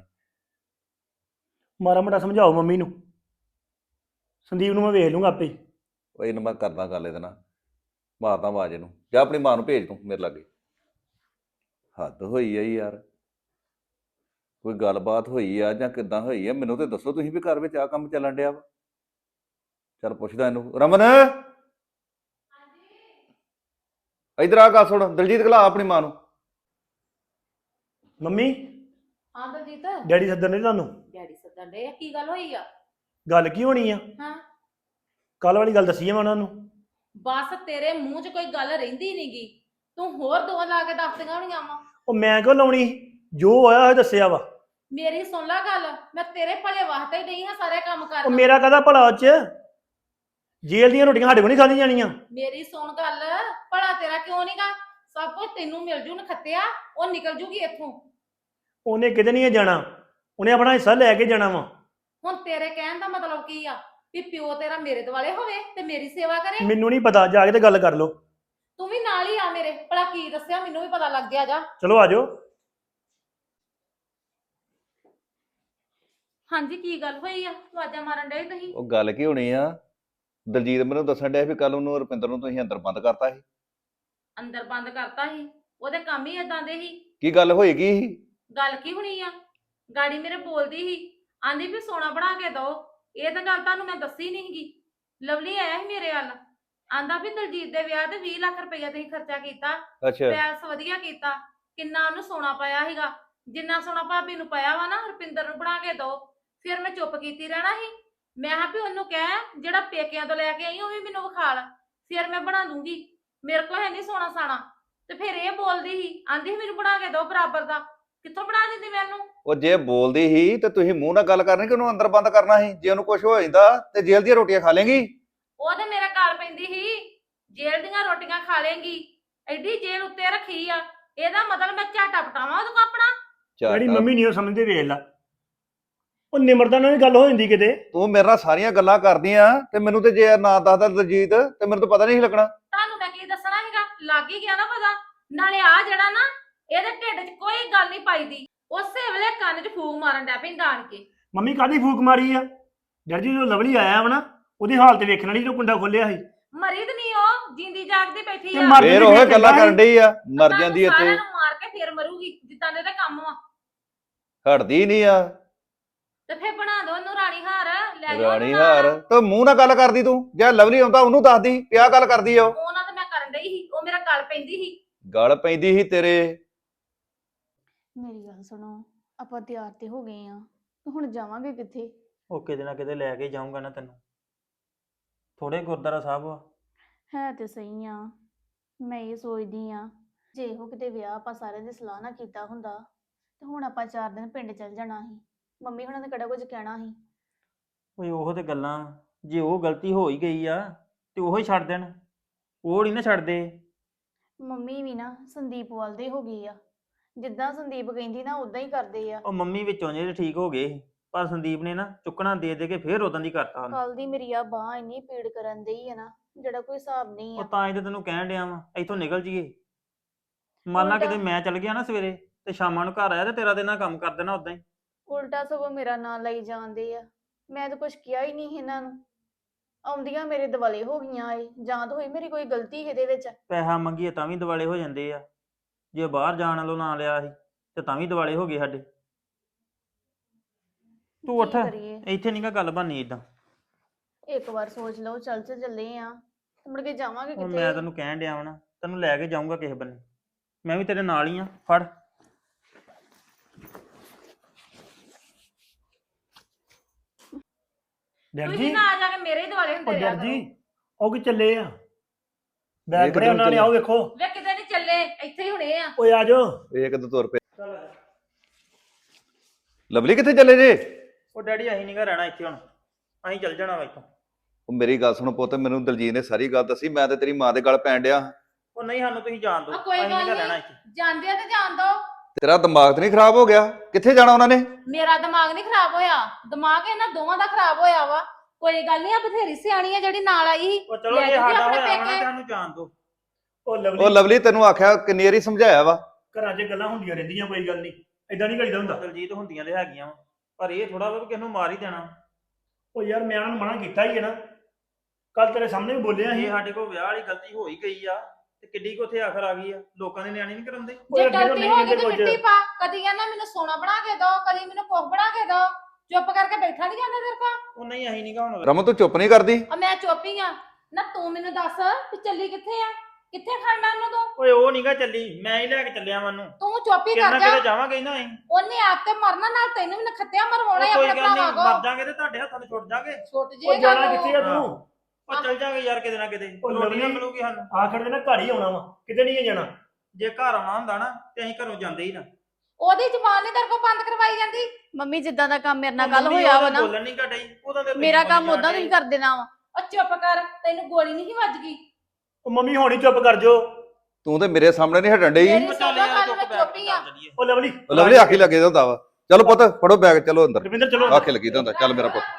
S5: ਮਾੜਾ ਮੋਟਾ ਸਮਝਾਓ ਮੰਮੀ ਨੂੰ, ਸੰਦੀਪ ਨੂੰ ਮੈਂ ਵੇਖ ਲੂੰਗਾ ਆਪੇ।
S4: ਉਹ ਇਹਨੂੰ ਮੈਂ ਕਰਦਾ ਗੱਲ ਇਹਦੇ ਨਾਲ, ਮਾਰਦਾ ਆਵਾਜ਼ ਇਹਨੂੰ, ਜਾਂ ਆਪਣੀ ਮਾਂ ਨੂੰ ਭੇਜ ਤੂੰ ਮੇਰੇ ਲਾਗੇ। ਹੱਦ ਹੋਈ ਆ ਯਾਰ, ਕੋਈ ਗੱਲਬਾਤ ਹੋਈ ਆ ਜਾਂ ਕਿੱਦਾਂ ਹੋਈ ਆ ਮੈਨੂੰ ਤੇ ਦੱਸੋ ਤੁਸੀਂ ਵੀ ਘਰ ਵਿੱਚ ਆਹ ਕੰਮ ਚੱਲਣ ਡਿਆ ਵਾ। ਚੱਲ ਪੁੱਛਦਾ ਇਹਨੂੰ। ਰਮਨ ਇਧਰ ਆ, ਗੱਲ ਸੁਣ। ਦਲਜੀਤ ਘਲਾ ਆਪਣੀ ਮਾਂ ਨੂੰ।
S5: ਮੰਮੀ
S3: ਹਾਂ ਦਲਜੀਤ,
S5: ਡੈਡੀ ਸੱਦਣ ਨੇ ਤੁਹਾਨੂੰ।
S3: ਡੈਡੀ ਸੱਦਣ ਦੇ, ਕੀ ਗੱਲ ਹੋਈ ਆ?
S5: ਗੱਲ ਕੀ ਹੋਣੀ ਆ?
S3: ਹਾਂ,
S5: ਕੱਲ ਵਾਲੀ ਗੱਲ ਦੱਸੀ ਆ ਮੈਂ ਉਹਨਾਂ ਨੂੰ।
S3: ਬਸ ਤੇਰੇ ਮੂੰਹ 'ਚ ਕੋਈ ਗੱਲ ਰਹਿੰਦੀ ਨਹੀਂਗੀ, ਤੂੰ ਹੋਰ ਦੋ ਲਾ ਕੇ ਦੱਸਦੀਆਂ ਹੋਣੀਆਂ ਵਾ।
S5: ਉਹ ਮੈਂ ਕਿਉਂ ਲਾਉਣੀ, ਜੋ ਹੋਇਆ ਹੋਇਆ ਦੱਸਿਆ ਵਾ।
S3: ਮੇਰੀ ਸੁਣ ਲੈ ਗੱਲ, ਮੈਂ ਤੇਰੇ ਭਲੇ ਵਾਸਤੇ ਹੀ ਨਹੀਂ ਹਾਂ ਸਾਰੇ ਕੰਮ
S5: ਉਹ
S3: ਕਰਨਾ।
S5: ਮੇਰਾ ਕਾਹਦਾ ਭਲਾ ਉਹ 'ਚ? ਜੇਲ੍ਹ ਦੀਆਂ ਰੋਟੀਆਂ ਸਾਡੇ ਕੋਲ ਨਹੀਂ ਖਾਧੀਆਂ ਜਾਣੀਆਂ।
S3: ਮੇਰੀ ਸੁਣ ਗੱਲ, ਭਲਾ ਤੇਰਾ ਕਿਉਂ ਨਹੀਂਗਾ? ਸਭ ਕੁਝ ਤੈਨੂੰ ਮਿਲ ਜੂ ਨਖੱਤਿਆ, ਉਹ ਨਿਕਲ ਜੂਗੀ ਇੱਥੋਂ।
S5: ਉਹਨੇ ਕਿਤੇ ਨਹੀਂ ਜਾਣਾ, ਉਹਨੇ ਆਪਣਾ ਹਿੱਸਾ ਲੈ ਕੇ ਜਾਣਾ ਵਾ।
S3: ਹੁਣ ਤੇਰੇ ਕਹਿਣ ਦਾ ਮਤਲਬ ਕੀ ਆ? ਵੀ ਪਿਓ ਤੇਰਾ ਮੇਰੇ ਦੁਆਲੇ ਹੋਵੇ ਤੇ ਮੇਰੀ ਸੇਵਾ ਕਰੇ?
S5: ਮੈਨੂੰ ਨਹੀਂ ਪਤਾ, ਜਾ ਕੇ ਤੇ ਗੱਲ ਕਰ ਲਓ।
S3: ਤੂੰ ਵੀ ਨਾਲ ਹੀ ਆ ਮੇਰੇ, ਭਲਾ ਕੀ ਦੱਸਿਆ ਮੈਨੂੰ ਵੀ ਪਤਾ ਲੱਗ ਗਿਆ। ਜਾ
S5: ਚਲੋ ਆ ਜਾਓ।
S3: ਹਾਂਜੀ, ਕੀ ਗੱਲ ਹੋਈ ਆ? ਆਵਾਜ਼ਾਂ ਮਾਰਨ ਡਏ ਤੁਸੀਂ।
S4: ਉਹ ਗੱਲ ਕੀ ਹੋਣੀ ਆ? ਦਲਜੀਤ ਮੈਨੂੰ ਦੱਸਣ ਡਿਆ ਵੀ ਕੱਲ ਉਹਨੂੰ ਰੁਪਿੰਦਰ ਨੂੰ ਤੁਸੀਂ ਅੰਦਰ ਬੰਦ ਕਰਤਾ ਸੀ।
S3: ਅੰਦਰ ਬੰਦ ਕਰਤਾ ਸੀ? ਉਹਦੇ ਕੰਮ ਹੀ ਏਦਾਂ ਦੇ ਸੀ।
S4: ਕੀ ਗੱਲ ਹੋਏਗੀ?
S3: ਗੱਲ ਕੀ ਹੋਣੀ ਆ? ਗਾੜੀ ਮੇਰੇ ਬੋਲਦੀ ਸੀ, ਆਂਦੀ ਵੀ ਸੋਨਾ ਬਣਾ ਕੇ ਦੋ। ਇਹ ਤਾਂ ਗੱਲ ਤੁਹਾਨੂੰ ਮੈਂ ਦੱਸੀ ਨਹੀਂ ਗੀ। ਲਵਲੀ ਆਇਆ ਸੀ ਮੇਰੇ ਵੱਲ, ਆਂਦਾ ਵੀ ਦਲਜੀਤ ਦੇ ਵਿਆਹ ਤੇ ਵੀਹ ਲੱਖ ਰੁਪਇਆ ਤੁਸੀਂ ਖਰਚਾ ਕੀਤਾ,
S4: ਅੱਛਾ,
S3: ਪੈਲਸ ਵਧੀਆ ਕੀਤਾ, ਕਿੰਨਾ ਉਹਨੂੰ ਸੋਨਾ ਪਾਇਆ ਸੀਗਾ, ਜਿੰਨਾ ਸੋਨਾ ਭਾਬੀ ਨੂੰ ਪਾਇਆ ਵਾ ਨਾ ਰੁਪਿੰਦਰ ਨੂੰ ਬਣਾ ਕੇ ਦੋ। ਫਿਰ ਮੈਂ ਚੁੱਪ ਕੀਤੀ ਰਹਿਣਾ ਸੀ? ਮੈਂ ਕਿਹਾ ਵੀ ਉਹਨੂੰ ਕਹਿ ਜਿਹੜਾ ਪੇਕਿਆਂ ਤੋਂ ਲੈ ਕੇ ਆਈ ਉਹ ਵੀ ਮੈਨੂੰ ਵਿਖਾਲ, ਫਿਰ ਮੈਂ ਬਣਾ ਦੂੰਗੀ। ਮੇਰੇ ਕੋਲ ਹੈ ਨਹੀਂ ਸੋਨਾ ਸਾਣਾ। ਤੇ ਫਿਰ ਇਹ ਬੋਲਦੀ ਸੀ, ਆਂਦੀ ਸੀ ਮੈਨੂੰ ਬਣਾ ਕੇ ਦਿਓ ਬਰਾਬਰ ਦਾ। ਕਿੱਥੋਂ ਬਣਾ ਦਿੰਦੀ ਮੈਨੂੰ?
S4: ਉਹ ਜੇ ਬੋਲਦੀ ਸੀ ਤੇ ਤੁਸੀਂ ਮੂੰਹ ਨਾਲ ਗੱਲ ਕਰਨੀ ਕਿ ਉਹਨੂੰ ਅੰਦਰ ਬੰਦ ਕਰਨਾ ਸੀ? ਜੇ ਉਹਨੂੰ ਕੁਝ ਹੋ ਜਾਂਦਾ ਤੇ ਜੇਲ੍ਹ ਦੀਆਂ ਰੋਟੀਆਂ ਖਾ ਲੇਗੀ।
S3: ਉਹ ਤੇ ਮੇਰੇ ਗਾਲ ਪੈਂਦੀ ਸੀ, ਜੇਲ੍ਹ ਦੀਆਂ ਰੋਟੀਆਂ ਖਾ ਲੇਗੀ। ਐਡੀ ਜੇਲ੍ਹ ਉੱਤੇ ਰੱਖੀ ਆ, ਇਹਦਾ ਮਤਲਬ ਮੈਂ ਝਾਟਾ ਪਟਾਵਾਂ ਉਹਨੂੰ ਆਪਣਾ।
S5: ਜਿਹੜੀ ਮੰਮੀ ਨਹੀਂ ਉਹ ਸਮਝਦੇ, ਵੇਖ ਲਾ ਉਹ ਨਿਮਰਤਾ ਨਾਲ ਵੀ ਗੱਲ ਹੋ ਜਾਂਦੀ ਕਿਤੇ।
S4: ਤੂੰ ਮੇਰੇ ਨਾਲ ਸਾਰੀਆਂ ਗੱਲਾਂ ਕਰਦੀਆਂ ਤੇ ਮੈਨੂੰ ਤੇ ਜੇ ਨਾ ਦੱਸਦਾ ਦਲਜੀਤ ਤੇ ਮੈਨੂੰ ਤਾਂ ਪਤਾ ਨਹੀਂ ਸੀ ਲੱਗਣਾ।
S3: ਤੁਹਾਨੂੰ ਮੈਂ ਕੀ ਦੱਸਣਾ ਸੀਗਾ, ਲੱਗ ਹੀ ਗਿਆ ਨਾ ਪਤਾ। ਨਾਲੇ ਆ ਜਿਹੜਾ ਨਾ ਇਹਦੇ ਢਿੱਡ 'ਚ ਕੋਈ ਗੱਲ ਨਹੀਂ ਪਾਈਦੀ, ਉਸੇ ਵੇਲੇ ਕੰਨ 'ਚ ਫੂਕ ਮਾਰਨ ਡੈ ਪੈਂਦਾ ਆਣ ਕੇ।
S5: ਮੰਮੀ ਕਾਹਦੀ ਫੂਕ ਮਾਰੀ ਆ? ਡਰ ਜੀ ਜਦੋਂ ਲਵਲੀ ਆਇਆ ਵਾ ਨਾ, ਉਹਦੀ ਹਾਲਤ ਵੇਖਣ ਵਾਲੀ, ਜਦੋਂ ਕੁੰਡਾ ਖੋਲਿਆ ਸੀ।
S3: ਮਰੀ ਤੇ ਨਹੀਂ, ਉਹ ਜਿੰਦੀ ਜਾਗਦੀ ਬੈਠੀ
S5: ਤੇ
S3: ਆ।
S5: ਮਰ
S4: ਫੇਰ
S5: ਜਾਂਦੀ
S4: ਉਹ
S5: ਫਿਰ
S4: ਗੱਲਾਂ
S5: ਚੰਗਾ
S4: ਕਰਨ ਡਈ ਆ, ਮਰ
S3: ਤੁਹਾਨੂੰ
S4: ਜਾਂਦੀ ਇੱਥੇ।
S3: ਸਾਰਿਆਂ ਨੂੰ ਮਾਰ ਕੇ ਫੇਰ ਮਰੂਗੀ, ਜਿੱਦਾਂ ਦੇ ਇਹਦੇ ਕੰਮ ਆ।
S4: ਹਟਦੀ ਨਹੀਂ ਆ
S3: ਤੇ ਫੇਰ ਬਣਾ ਦੋ ਉਹਨੂੰ ਰਾਣੀ ਹਾਰ, ਲੈ ਜਾਓ
S4: ਰਾਣੀ
S3: ਉਹਨੂੰ ਨਾਲ।
S4: ਹਾਰ। ਤੇ ਮੂੰਹ ਨਾਲ ਗੱਲ ਕਰਦੀ ਤੂੰ, ਜੇ ਲਵਲੀ ਆਉਂਦਾ ਉਹਨੂੰ ਦੱਸਦੀ ਪਿਆ ਗੱਲ ਕਰਦੀ ਆ। ਉਹ
S3: ਉਹਨਾਂ ਤੇ ਮੈਂ ਕਰਨ ਡਈ ਸੀ, ਉਹ ਮੇਰਾ ਗੱਲ ਪੈਂਦੀ ਸੀ।
S4: ਗੱਲ ਪੈਂਦੀ ਸੀ ਤੇਰੇ।
S2: ਮੇਰੀ ਗੱਲ ਸੁਣੋ, ਆਪਾਂ ਤਿਆਰ ਤੇ ਹੋ ਗਏ ਆ, ਤੇ ਹੁਣ ਜਾਵਾਂਗੇ ਕਿੱਥੇ?
S1: ਉਹ ਕਿਤੇ ਨਾ ਕਿਤੇ ਲੈ ਕੇ ਜਾਊਂਗਾ ਨਾ ਤੈਨੂੰ। ਥੋੜੇ ਗੁਰਦੁਆਰਾ ਸਾਹਿਬ ਆ।
S2: ਹੈ ਤੇ ਸਹੀ ਆ, ਮੈਂ ਇਹ ਸੋਚਦੀ ਆ ਜੇ ਇਹੋ ਕਿਤੇ ਵਿਆਹ ਆਪਾਂ ਸਾਰਿਆਂ ਦੀ ਸਲਾਹ ਨਾ ਕੀਤਾ ਹੁੰਦਾ ਤੇ ਹੁਣ ਆਪਾਂ ਚਾਰ ਦਿਨ ਪਿੰਡ ਚੱਲ ਜਾਣਾ ਸੀ। ਮੰਮੀ ਹੁਣਾਂ ਨੇ ਕਿਹੜਾ ਕੁਝ ਕਹਿਣਾ ਸੀ?
S1: ਓਏ ਉਹ ਤੇ ਗੱਲਾਂ, ਜੇ ਉਹ ਗਲਤੀ ਹੋ ਹੀ ਗਈ ਆ ਤੇ ਉਹ ਹੀ ਛੱਡ ਦੇਣ, ਉਹ ਨਹੀਂ ਨਾ ਛੱਡਦੇ।
S2: ਮੰਮੀ ਵੀ ਨਾ ਸੰਦੀਪ ਵੱਲ ਦੇ ਹੋ ਗਈ ਆ, ਜਿੱਦਾਂ ਸੰਦੀਪ ਕਹਿੰਦੀ ਨਾ ਉਦਾਂ ਹੀ ਕਰਦੇ ਆ।
S1: ਉਹ ਮੰਮੀ ਵਿੱਚੋਂ ਜੇ ਠੀਕ ਹੋ ਗਏ ਸੀ, ਪਰ ਸੰਦੀਪ ਨੇ ਨਾ ਚੁੱਕਣਾ ਦੇ ਦੇ ਕੇ ਫੇਰ ਉਦੋਂ ਦੀ ਕਰਤਾ ਉਹਨੂੰ।
S2: ਕੱਲ ਦੀ ਮੇਰੀ ਆ ਬਾਂਹ ਇੰਨੀ ਪੀੜ ਕਰਨ ਡਈ ਆ ਨਾ, ਜਿਹੜਾ ਕੋਈ ਹਿਸਾਬ ਨਹੀਂ
S1: ਉਹ
S2: ਆ।
S1: ਤਾਂ ਇਹ ਤੇ ਤੈਨੂੰ ਕਹਿਣ ਡਿਆ ਵਾ ਇੱਥੋਂ ਨਿਕਲ ਜੀਏ। ਮੰਨ ਲਾ
S2: ਉਲਟਾ-
S1: ਕਿਤੇ ਮੈਂ ਚੱਲ ਗਿਆ ਨਾ ਸਵੇਰੇ ਤੇ ਸ਼ਾਮਾਂ ਨੂੰ ਘਰ ਆਇਆ ਤੇ ਤੇਰਾ ਤੇ ਨਾ ਕੰਮ ਕਰ ਦੇਣਾ ਉਦਾਂ ਹੀ।
S2: ਉਲਟਾ ਸਗੋਂ ਮੇਰਾ ਨਾਂ ਲਈ ਜਾਂਦੇ ਆ, ਮੈਂ ਤਾਂ ਕੁਝ ਕਿਹਾ ਹੀ ਨਹੀਂ ਇਹਨਾਂ ਨੂੰ। ਆਉਂਦੀਆਂ ਮੇਰੇ ਦਿਵਾਲੇ ਹੋ ਗਈਆਂ ਏ, ਜਾਂ ਤਾਂ ਹੋਈ ਮੇਰੀ ਕੋਈ ਗਲਤੀ ਇਹਦੇ ਵਿੱਚ।
S1: ਪੈਸਾ ਮੰਗੀਏ ਤਾਂ ਵੀ ਦਿਵਾਲੇ ਹੋ ਜਾਂਦੇ ਆ, ਜੇ ਬਾਹਰ ਜਾਣ ਵਾਲੋਂ ਨਾ ਲਿਆ ਸੀ ਤੇ ਤਾਂ ਵੀ ਦਿਵਾਲੇ ਹੋ ਗਏ ਸਾਡੇ। ਤੂੰ ਉੱਠ,
S2: ਕੀ ਕਰੀਏ?
S1: ਇੱਥੇ ਨੀ ਗਾ ਗੱਲ ਬਣਨੀ ਇਦਾਂ।
S2: ਇੱਕ ਵਾਰ ਸੋਚ ਲਓ, ਚੱਲ ਚ ਚੱਲੇ ਆ, ਤੇ ਮੁੜ ਕੇ ਜਾਵਾਂਗੇ
S1: ਹੁਣ
S2: ਕਿਤੇ।
S1: ਮੈਂ ਤੈਨੂੰ ਕਹਿਣ ਡਿਆ ਵਾਂ ਨਾ, ਤੈਨੂੰ ਲੈ ਕੇ ਜਾਊਂਗਾ ਕਿਸੇ ਬੰਨੇ। ਮੈਂ ਵੀ ਤੇਰੇ ਨਾਲ ਹੀ ਆ, ਫੜ।
S5: ਡਰ
S3: ਤੁਸੀਂ
S5: ਜੀ,
S3: ਨਾ ਆ ਜਾ ਕੇ ਮੇਰੇ ਹੀ ਦੁਆਲੇ ਹੁੰਦੇ
S5: ਉਹ
S3: ਰਿਹਾ
S5: ਡਰ
S3: ਕਰੋ।
S5: ਜੀ, ਉਹ ਕਿ ਚੱਲੇ ਆ
S4: ਇਹ
S5: ਬੈਗ
S4: ਕਿੱਧਰ
S5: ਫੜਿਆ ਉਹਨਾਂ ਨੇ,
S4: ਚੱਲੇ?
S5: ਆਓ ਵੇਖੋ।
S3: ਵੇ ਕਿਤੇ ਨਹੀਂ ਚੱਲੇ, ਇੱਥੇ ਹੀ ਹੁਣੇ ਆ।
S5: ਓਏ ਆ ਜਾਓ।
S4: ਇਹ ਕਿਦੋਂ ਤੁਰ ਪਏ? ਲਵਲੀ ਕਿੱਥੇ ਚੱਲੇ ਜੇ?
S1: ਉਹ ਡੈਡੀ ਅਸੀਂ ਨੀ ਗਾ ਰਹਿਣਾ ਇੱਥੇ ਹੁਣ, ਅਸੀਂ ਚੱਲ ਜਾਣਾ ਵਾ ਇੱਥੋਂ।
S4: ਉਹ ਮੇਰੀ ਗੱਲ ਸੁਣ ਪੁੱਤ, ਮੈਨੂੰ ਦਲਜੀਤ ਨੇ ਸਾਰੀ ਗੱਲ ਦੱਸੀ। ਮੈਂ ਤੇ ਤੇਰੀ ਮਾਂ ਦੇ ਗਲ ਪੈਣ ਡਿਆ।
S1: ਉਹ ਨਹੀਂ, ਸਾਨੂੰ ਤੁਸੀਂ ਜਾਣ ਦਿਓ,
S3: ਆ ਕੋਈ
S1: ਅਸੀਂ ਨੀ
S3: ਗੱਲ
S1: ਗਾ
S3: ਨਹੀਂ।
S1: ਰਹਿਣਾ ਇੱਥੇ।
S3: ਜਾਂਦੇ ਆ ਤੇ ਜਾਣ ਦੋ।
S4: ਤੇਰਾ ਦਿਮਾਗ ਤੇ ਨਹੀਂ ਖਰਾਬ ਹੋ ਗਿਆ? ਕਿੱਥੇ ਜਾਣਾ ਉਹਨਾਂ ਨੇ?
S3: ਮੇਰਾ ਦਿਮਾਗ ਨਹੀਂ ਖਰਾਬ ਹੋਇਆ, ਦਿਮਾਗ ਇਹਨਾਂ ਦੋਵਾਂ ਦਾ ਖਰਾਬ ਹੋਇਆ ਵਾ। ਕੋਈ ਗੱਲ ਨਹੀਂ, ਆ ਬਥੇਰੀ ਸਿਆਣੀ ਆ ਜਿਹੜੀ ਨਾਲ ਆਈ ਸੀ।
S1: ਉਹ ਚਲੋ
S3: ਲੈ
S1: ਜੇ
S3: ਜਾਓ
S1: ਸਾਡਾ
S3: ਆਪਣੇ
S1: ਹੋਇਆ ਵਾ ਨਾ
S3: ਪੇਕੇ।
S1: ਤੇ ਸਾਨੂੰ ਜਾਣ ਦਿਓ।
S5: ਉਹ
S4: ਉਹ
S5: ਲਵਲੀ,
S4: ਲਵਲੀ ਤੈਨੂੰ ਆਖਿਆ ਕਿੰਨੀ ਵਾਰੀ ਸਮਝਾਇਆ ਵਾ।
S5: ਘਰਾਂ 'ਚ ਗੱਲਾਂ ਹੁੰਦੀਆਂ ਰਹਿੰਦੀਆਂ, ਕੋਈ ਗੱਲ ਨਹੀਂ, ਏਦਾਂ ਨਹੀਂ ਕਰੀਦਾ ਹੁੰਦਾ।
S1: ਦਲਜੀਤ ਹੁੰਦੀਆਂ ਤੇ ਹੈਗੀਆਂ ਵਾ, ਪਰ ਇਹ ਥੋੜਾ ਵਾ ਵੀ ਕਿਸ ਨੂੰ ਮਾਰ ਹੀ ਦੇਣਾ।
S5: ਉਹ ਯਾਰ ਮੈਂ ਉਹਨਾਂ ਨੂੰ ਮਨਾ ਕੀਤਾ ਹੀ ਹੈ ਨਾ, ਕੱਲ ਤੇਰੇ ਸਾਹਮਣੇ ਵੀ ਬੋਲਿਆ ਸੀ।
S1: ਇਹ ਸਾਡੇ ਕੋਲ ਵਿਆਹ ਵਾਲੀ ਗਲਤੀ ਹੋ ਹੀ ਗਈ ਆ ਤੇ ਕਿੱਡੀ ਕੁ ਉੱਥੇ ਆਖਰ ਆ ਗਈ ਆ। ਲੋਕਾਂ ਦੇ ਨਿਆਣੇ ਨਹੀਂ ਕਰਾਉਂਦੇ।
S5: ਉਹ
S3: ਜੇ
S5: ਯਾਰ ਜਦੋਂ
S3: ਗਲਤੀ
S5: ਨਹੀਂ
S3: ਹੋ ਗਈ
S5: ਕਹਿੰਦੇ
S3: ਤੇ
S5: ਕੁਝ।
S3: ਮਿੱਟੀ ਪਾ। ਕਦੀ ਕਹਿੰਦਾ ਮੈਨੂੰ ਸੋਨਾ ਬਣਾ ਕੇ ਦੋ, ਕਦੀ ਮੈਨੂੰ ਕੁੱਖ ਬਣਾ ਕੇ ਦੋ। ਚੁੱਪ ਕਰਕੇ ਬੈਠਾ ਨਹੀਂ ਜਾਂਦਾ ਤੇਰੇ ਕੋਲ।
S1: ਉਹ ਨਹੀਂ, ਅਸੀਂ ਨਹੀਂ ਗਾ ਹੁਣ।
S4: ਰਮਨ ਤੂੰ ਚੁੱਪ ਨਹੀਂ ਕਰਦੀ?
S3: ਆ ਮੈਂ ਚੁੱਪੀ ਆ ਨਾ। ਤੂੰ ਮੈਨੂੰ ਦੱਸ ਵੀ ਚੱਲੀ ਕਿੱਥੇ ਆ? ਕਿੱਥੇ ਖੜਨਾ ਉਹਨੂੰ ਤੂੰ?
S1: ਓਏ ਉਹ ਨੀ ਗਾ ਚੱਲੀ, ਮੈਂ ਹੀ ਲੈ ਕੇ ਚੱਲਿਆ ਮੈਨੂੰ।
S3: ਤੂੰ ਚੁੱਪੀ
S1: ਕਿੰਨਾ
S3: ਕਰ
S1: ਕਿਤੇ
S3: ਜਾ।
S1: ਜਾਵਾਂਗੇ ਹੀ ਨਾ ਅਸੀਂ।
S3: ਉਹਨੇ ਆਪ ਤੇ ਮਰਨਾ, ਨਾਲ ਤੈਨੂੰ ਵੀ ਨਖੱਤਿਆ ਮਰਵਾਉਣਾ
S1: ਉਹ ਕੋਈ
S3: ਆਪਣੇ
S1: ਗੱਲ ਨਹੀਂ,
S3: ਭਰਾਵਾਂ
S1: ਮਰ
S3: ਕੋ।
S1: ਜਾਾਂਗੇ ਤੇ ਤੁਹਾਡੇ ਹੱਥਾਂ ਤੋਂ ਛੁੱਟ ਜਾਾਂਗੇ।
S3: ਛੁੱਟ
S5: ਉਹ
S3: ਜੇਗਾ
S5: ਜਾਣਾ ਕਿੱਥੇ ਆ
S1: ਹਾਂ।
S5: ਤੂੰ?
S1: ਉਹ ਚੱਲ ਜਾਾਂਗੇ ਯਾਰ ਕਿਤੇ ਨਾ ਕਿਤੇ,
S5: ਉਹ
S1: ਰੋਟੀ ਨਾ
S5: ਲਵਲੀ-
S1: ਮਿਲੂਗੀ ਸਾਨੂੰ।
S5: ਆਖਰ ਦੇ ਨਾ ਘਰ ਹੀ ਆਉਣਾ ਵਾ, ਕਿਤੇ ਨਹੀਂ ਜਾਣਾ।
S1: ਜੇ ਘਰ ਆਉਣਾ ਹੁੰਦਾ ਨਾ ਤੇ ਅਸੀਂ ਘਰੋਂ ਜਾਂਦੇ ਹੀ ਨਾ।
S3: ਉਹਦੀ ਜ਼ੁਬਾਨ ਨਹੀਂ ਤੇਰੇ ਕੋਲ ਬੰਦ ਕਰਵਾਈ ਜਾਂਦੀ।
S2: ਮੰਮੀ ਜਿੱਦਾਂ ਦਾ ਕੰਮ ਮੇਰੇ ਨਾਲ
S1: ਉਹ
S2: ਕੱਲ
S1: ਮੰਮੀ
S2: ਹੋਇਆ ਵਾ
S1: ਉਹਦੇ
S2: ਨਾ,
S1: ਬੋਲਣ ਨਹੀਂ ਘਟਾਈ, ਉਹਦਾ ਤੇ
S2: ਮੇਰਾ
S1: ਤੁਸੀਂ
S2: ਕੰਮ
S1: ਬੋਲੀ
S2: ਉਦਾਂ
S1: ਜਾਂਦੇ।
S2: ਤੁਸੀਂ ਕਰ ਦੇਣਾ ਵਾ।
S3: ਉਹ ਚੁੱਪ ਕਰ, ਤੈਨੂੰ ਗੋਲੀ ਨਹੀਂ ਵੱਜ ਗਈ।
S5: ਉਹ ਮੰਮੀ ਹੁਣ ਹੀ ਚੁੱਪ ਕਰ ਜੋ।
S4: ਤੂੰ ਤੇ ਮੇਰੇ ਸਾਹਮਣੇ ਨਹੀਂ ਹਟਣ ਡਈ।
S3: ਮੇਰੀ
S1: ਉਹ ਚੱਲ
S3: ਸੁਣ
S1: ਯਾਰ
S3: ਗੱਲ,
S1: ਚੁੱਪ
S3: ਮੈਂ
S1: ਬੈਠ
S3: ਚੁੱਪ
S1: ਕੇ
S3: ਹੀ ਆ।
S1: ਚੱਲ ਚੱਲੀਏ।
S5: ਉਹ ਲਵਲੀ,
S4: ਉਹ ਲਵਲੀ ਆਖੀ ਲੱਗੇ ਦਾ ਹੁੰਦਾ ਵਾ। ਚਲੋ ਪੁੱਤ ਫੜੋ ਬੈਗ, ਚਲੋ ਅੰਦਰ।
S5: ਰਵਿੰਦਰ ਚਲੋ।
S4: ਆਖੇ ਲੱਗੀ ਦਾ ਹੁੰਦਾ। ਚੱਲ ਮੇਰਾ ਪੁੱਤ।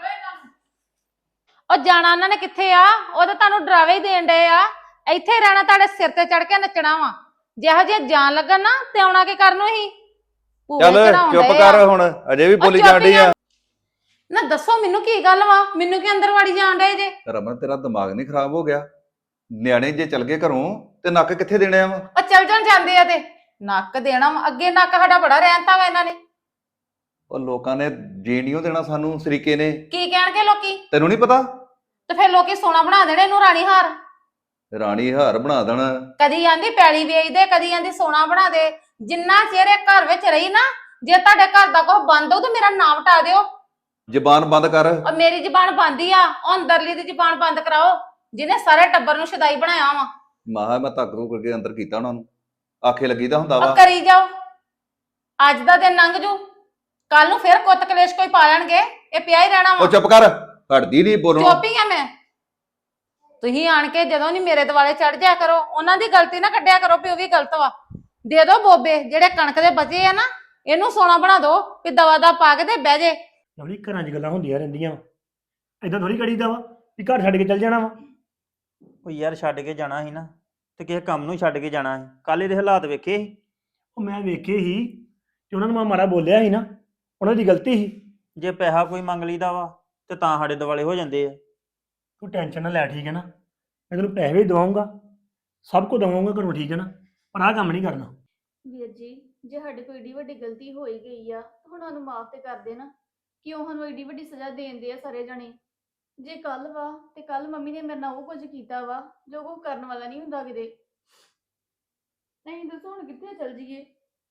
S3: ਉਹ ਜਾਣਾ ਉਹਨਾਂ ਨੇ ਕਿੱਥੇ ਆ? ਉਹ ਤਾਂ ਤੁਹਾਨੂੰ ਡਰਾਵੇ ਹੀ ਦੇਣ ਡਏ ਆ। ਇੱਥੇ ਹੀ ਰਹਿਣਾ, ਤੁਹਾਡੇ ਸਿਰ ਤੇ ਚੜ ਕੇ ਨੱਚਣਾ ਵਾ। ਜਿਹੋ ਜਿਹਾ ਜਾਣ ਲੱਗਣ ਨਾ ਤੇ ਆਉਣਾ ਕੀ ਕਰਨ ਨੂੰ ਹੀ?
S4: ਚੱਲ ਚੁੱਪ ਕਰ ਹੁਣ, ਅਜੇ ਵੀ ਬੋਲੀ ਜਾਣ ਡਈ ਆ।
S3: ਨਾ ਦੱਸੋ ਮੈਨੂੰ ਕੀ ਗੱਲ ਵਾ? ਮੈਨੂੰ ਕੀ ਅੰਦਰ ਵਾੜੀ ਜਾਣ ਡਏ ਜੇ?
S4: ਰਮਨ ਤੇਰਾ ਦਿਮਾਗ ਨਹੀਂ ਖਰਾਬ ਹੋ ਗਿਆ? ਨਿਆਣੇ ਜੇ ਚਲ ਗਏ ਘਰੋਂ ਤੇ ਨੱਕ ਕਿੱਥੇ ਦੇਣੇ ਆ ਵਾ?
S3: ਉਹ ਚੱਲ ਜਾਣ ਜਾਂਦੇ ਆ ਤੇ ਨੱਕ ਦੇਣਾ ਵਾ। ਅੱਗੇ ਨੱਕ ਸਾਡਾ ਬੜਾ ਰਹਿੰਦਾ ਵਾ ਇਹਨਾਂ ਨੇ।
S4: ਉਹ ਲੋਕਾਂ ਨੇ ਜੀਣੀਓ ਦੇਣਾ ਸਾਨੂੰ, ਸਰੀਕੇ ਨੇ।
S3: ਕੀ ਕਹਿਣਗੇ ਲੋਕੀ?
S4: ਤੈਨੂੰ ਨਹੀਂ ਪਤਾ?
S3: ਤੇ ਫਿਰ ਲੋਕੀ ਸੋਨਾ ਬਣਾ ਦੇਣੇ ਇਹਨੂੰ, ਰਾਣੀ ਹਾਰ।
S4: ਰਾਣੀ ਹਾਰ ਬਣਾ ਦੇਣਾ।
S3: ਕਦੀ ਆਂਦੀ ਪੈਲੀ ਵੇਚ ਦੇ, ਕਦੀ ਆਂਦੀ ਸੋਨਾ ਬਣਾ ਦੇ। ਜਿੰਨਾ ਚਿਰ ਇਹ ਘਰ ਵਿੱਚ ਰਹੀ ਨਾ, ਜੇ ਤੁਹਾਡੇ ਘਰ ਦਾ ਕੁਝ ਬੰਦ ਹੋਊ ਤਾਂ ਮੇਰਾ ਨਾਮ ਹਟਾ ਦਿਓ।
S4: ਜ਼ਬਾਨ ਬੰਦ ਕਰ।
S3: ਔਰ ਮੇਰੀ ਜ਼ਬਾਨ ਬੰਦ ਹੀ ਆ। ਉਹ ਅੰਦਰਲੀ ਦੀ ਜ਼ਬਾਨ ਬੰਦ ਕਰਾਓ, ਜਿਹਨੇ ਸਾਰੇ ਟੱਬਰ ਨੂੰ ਸ਼ਦਾਈ ਬਣਾਇਆ ਵਾ।
S4: ਮਾਹਾ ਮੈਂ ਧੱਕ ਧੁੱਕ ਕਰਕੇ ਅੰਦਰ ਕੀਤਾ ਉਹਨਾਂ ਨੂੰ, ਆਖੇ ਲੱਗੀ ਤਾਂ ਹੁੰਦਾ
S3: ਆ
S4: ਵਾ।
S3: ਕਰੀ ਜਾਓ, ਅੱਜ ਦਾ ਦਿਨ ਲੰਘ ਜੂ, ਕੱਲ ਨੂੰ ਫਿਰ ਕੁੱਤ ਕਲੇਸ਼ ਕੋਈ ਪਾ ਲੈਣਗੇ, ਇਹ ਪਿਆ ਹੀ ਰਹਿਣਾ ਵਾ।
S4: ਉਹ ਚੁੱਪ ਕਰ, ਹਟਦੀ ਨਹੀਂ ਬੋਲਣੋਂ।
S3: ਚੁੱਪ ਹੀ ਆ ਮੈਂ। ਤੁਸੀਂ ਆਣ ਕੇ ਜਦੋਂ ਨਹੀਂ ਮੇਰੇ ਦੁਆਲੇ ਚੜ ਜਾਇਆ ਕਰੋ, ਉਹਨਾਂ ਦੀ ਗਲਤੀ ਨਾ ਕੱਢਿਆ ਕਰੋ ਵੀ ਉਹ ਵੀ ਗਲਤ ਵਾ। ਦੇ ਦੋ ਬੋਬੇ ਜਿਹੜੇ ਕਣਕ ਦੇ ਬਚੇ ਆ ਨਾ, ਇਹਨੂੰ ਸੋਨਾ ਬਣਾ ਦੋ ਵੀ ਦਵਾ ਦਾ ਪਾ ਕੇ ਤੇ ਬਹਿ ਜੇ।
S5: ਲਵਲੀ ਘਰਾਂ 'ਚ ਗੱਲਾਂ ਹੁੰਦੀਆਂ ਰਹਿੰਦੀਆਂ, ਏਦਾਂ ਥੋੜੀ ਕਰੀਦਾ ਵਾ ਵੀ ਘਰ ਛੱਡ ਕੇ ਚੱਲ ਜਾਣਾ ਵਾ।
S1: ਉਹ ਯਾਰ ਛੱਡ ਕੇ ਜਾਣਾ ਸੀ ਨਾ, ਤੇ ਕਿਸੇ ਕੰਮ ਨੂੰ ਛੱਡ ਕੇ ਜਾਣਾ ਸੀ। ਕੱਲ ਇਹਦੇ ਹਾਲਾਤ ਵੇਖੇ ਸੀ।
S5: ਉਹ ਮੈਂ ਵੇਖੇ ਹੀ ਕਿ ਉਹਨਾਂ ਨੂੰ ਮੈਂ ਮਾੜਾ ਬੋਲਿਆ ਸੀ ਨਾ, ਉਹਨਾਂ ਦੀ ਗਲਤੀ ਸੀ।
S1: ਜੇ ਪੈਸਾ ਕੋਈ ਮੰਗ ਲਈਦਾ ਵਾ ਤੇ ਤਾਂ ਸਾਡੇ ਦਿਵਾਲੇ ਹੋ ਜਾਂਦੇ ਆ।
S5: ਤੂੰ ਟੈਨਸ਼ਨ ਨਾ ਲੈ, ਠੀਕ ਹੈ ਨਾ। ਮੈਂ ਤੈਨੂੰ ਪੈਸੇ ਵੀ ਦਵਾਉਂਗਾ, ਸਭ ਕੁਝ ਦਵਾਉਂਗਾ ਘਰੋਂ, ਠੀਕ ਹੈ ਨਾ। ਪਰ ਆਹ ਕੰਮ ਨਹੀਂ ਕਰਨਾ।
S2: ਵੀਰ ਜੀ, ਜੇ ਸਾਡੇ ਕੋਈ ਏਡੀ ਵੱਡੀ ਗਲਤੀ ਹੋ ਹੀ ਗਈ ਆ ਤਾਂ ਹੁਣ ਸਾਨੂੰ ਮਾਫ ਤੇ ਕਰ ਦੇਣਾ। ਕਿਉਂ ਸਾਨੂੰ ਏਡੀ ਵੱਡੀ ਸਜ਼ਾ ਦੇਂਦੇ ਆ ਸਾਰੇ ਜਣੇ? ਜੇ ਕੱਲ ਵਾ ਤੇ ਕੱਲ ਮੰਮੀ ਨੇ ਮੇਰੇ ਨਾਲ ਉਹ ਕੁਝ ਕੀਤਾ ਵਾ ਜੋ ਕੋਈ ਕਰਨ ਵਾਲਾ ਨਹੀਂ ਹੁੰਦਾ ਕਿਤੇ। ਨਹੀਂ ਦੱਸੋ ਹੁਣ ਕਿੱਥੇ ਚੱਲ ਜੀਏ?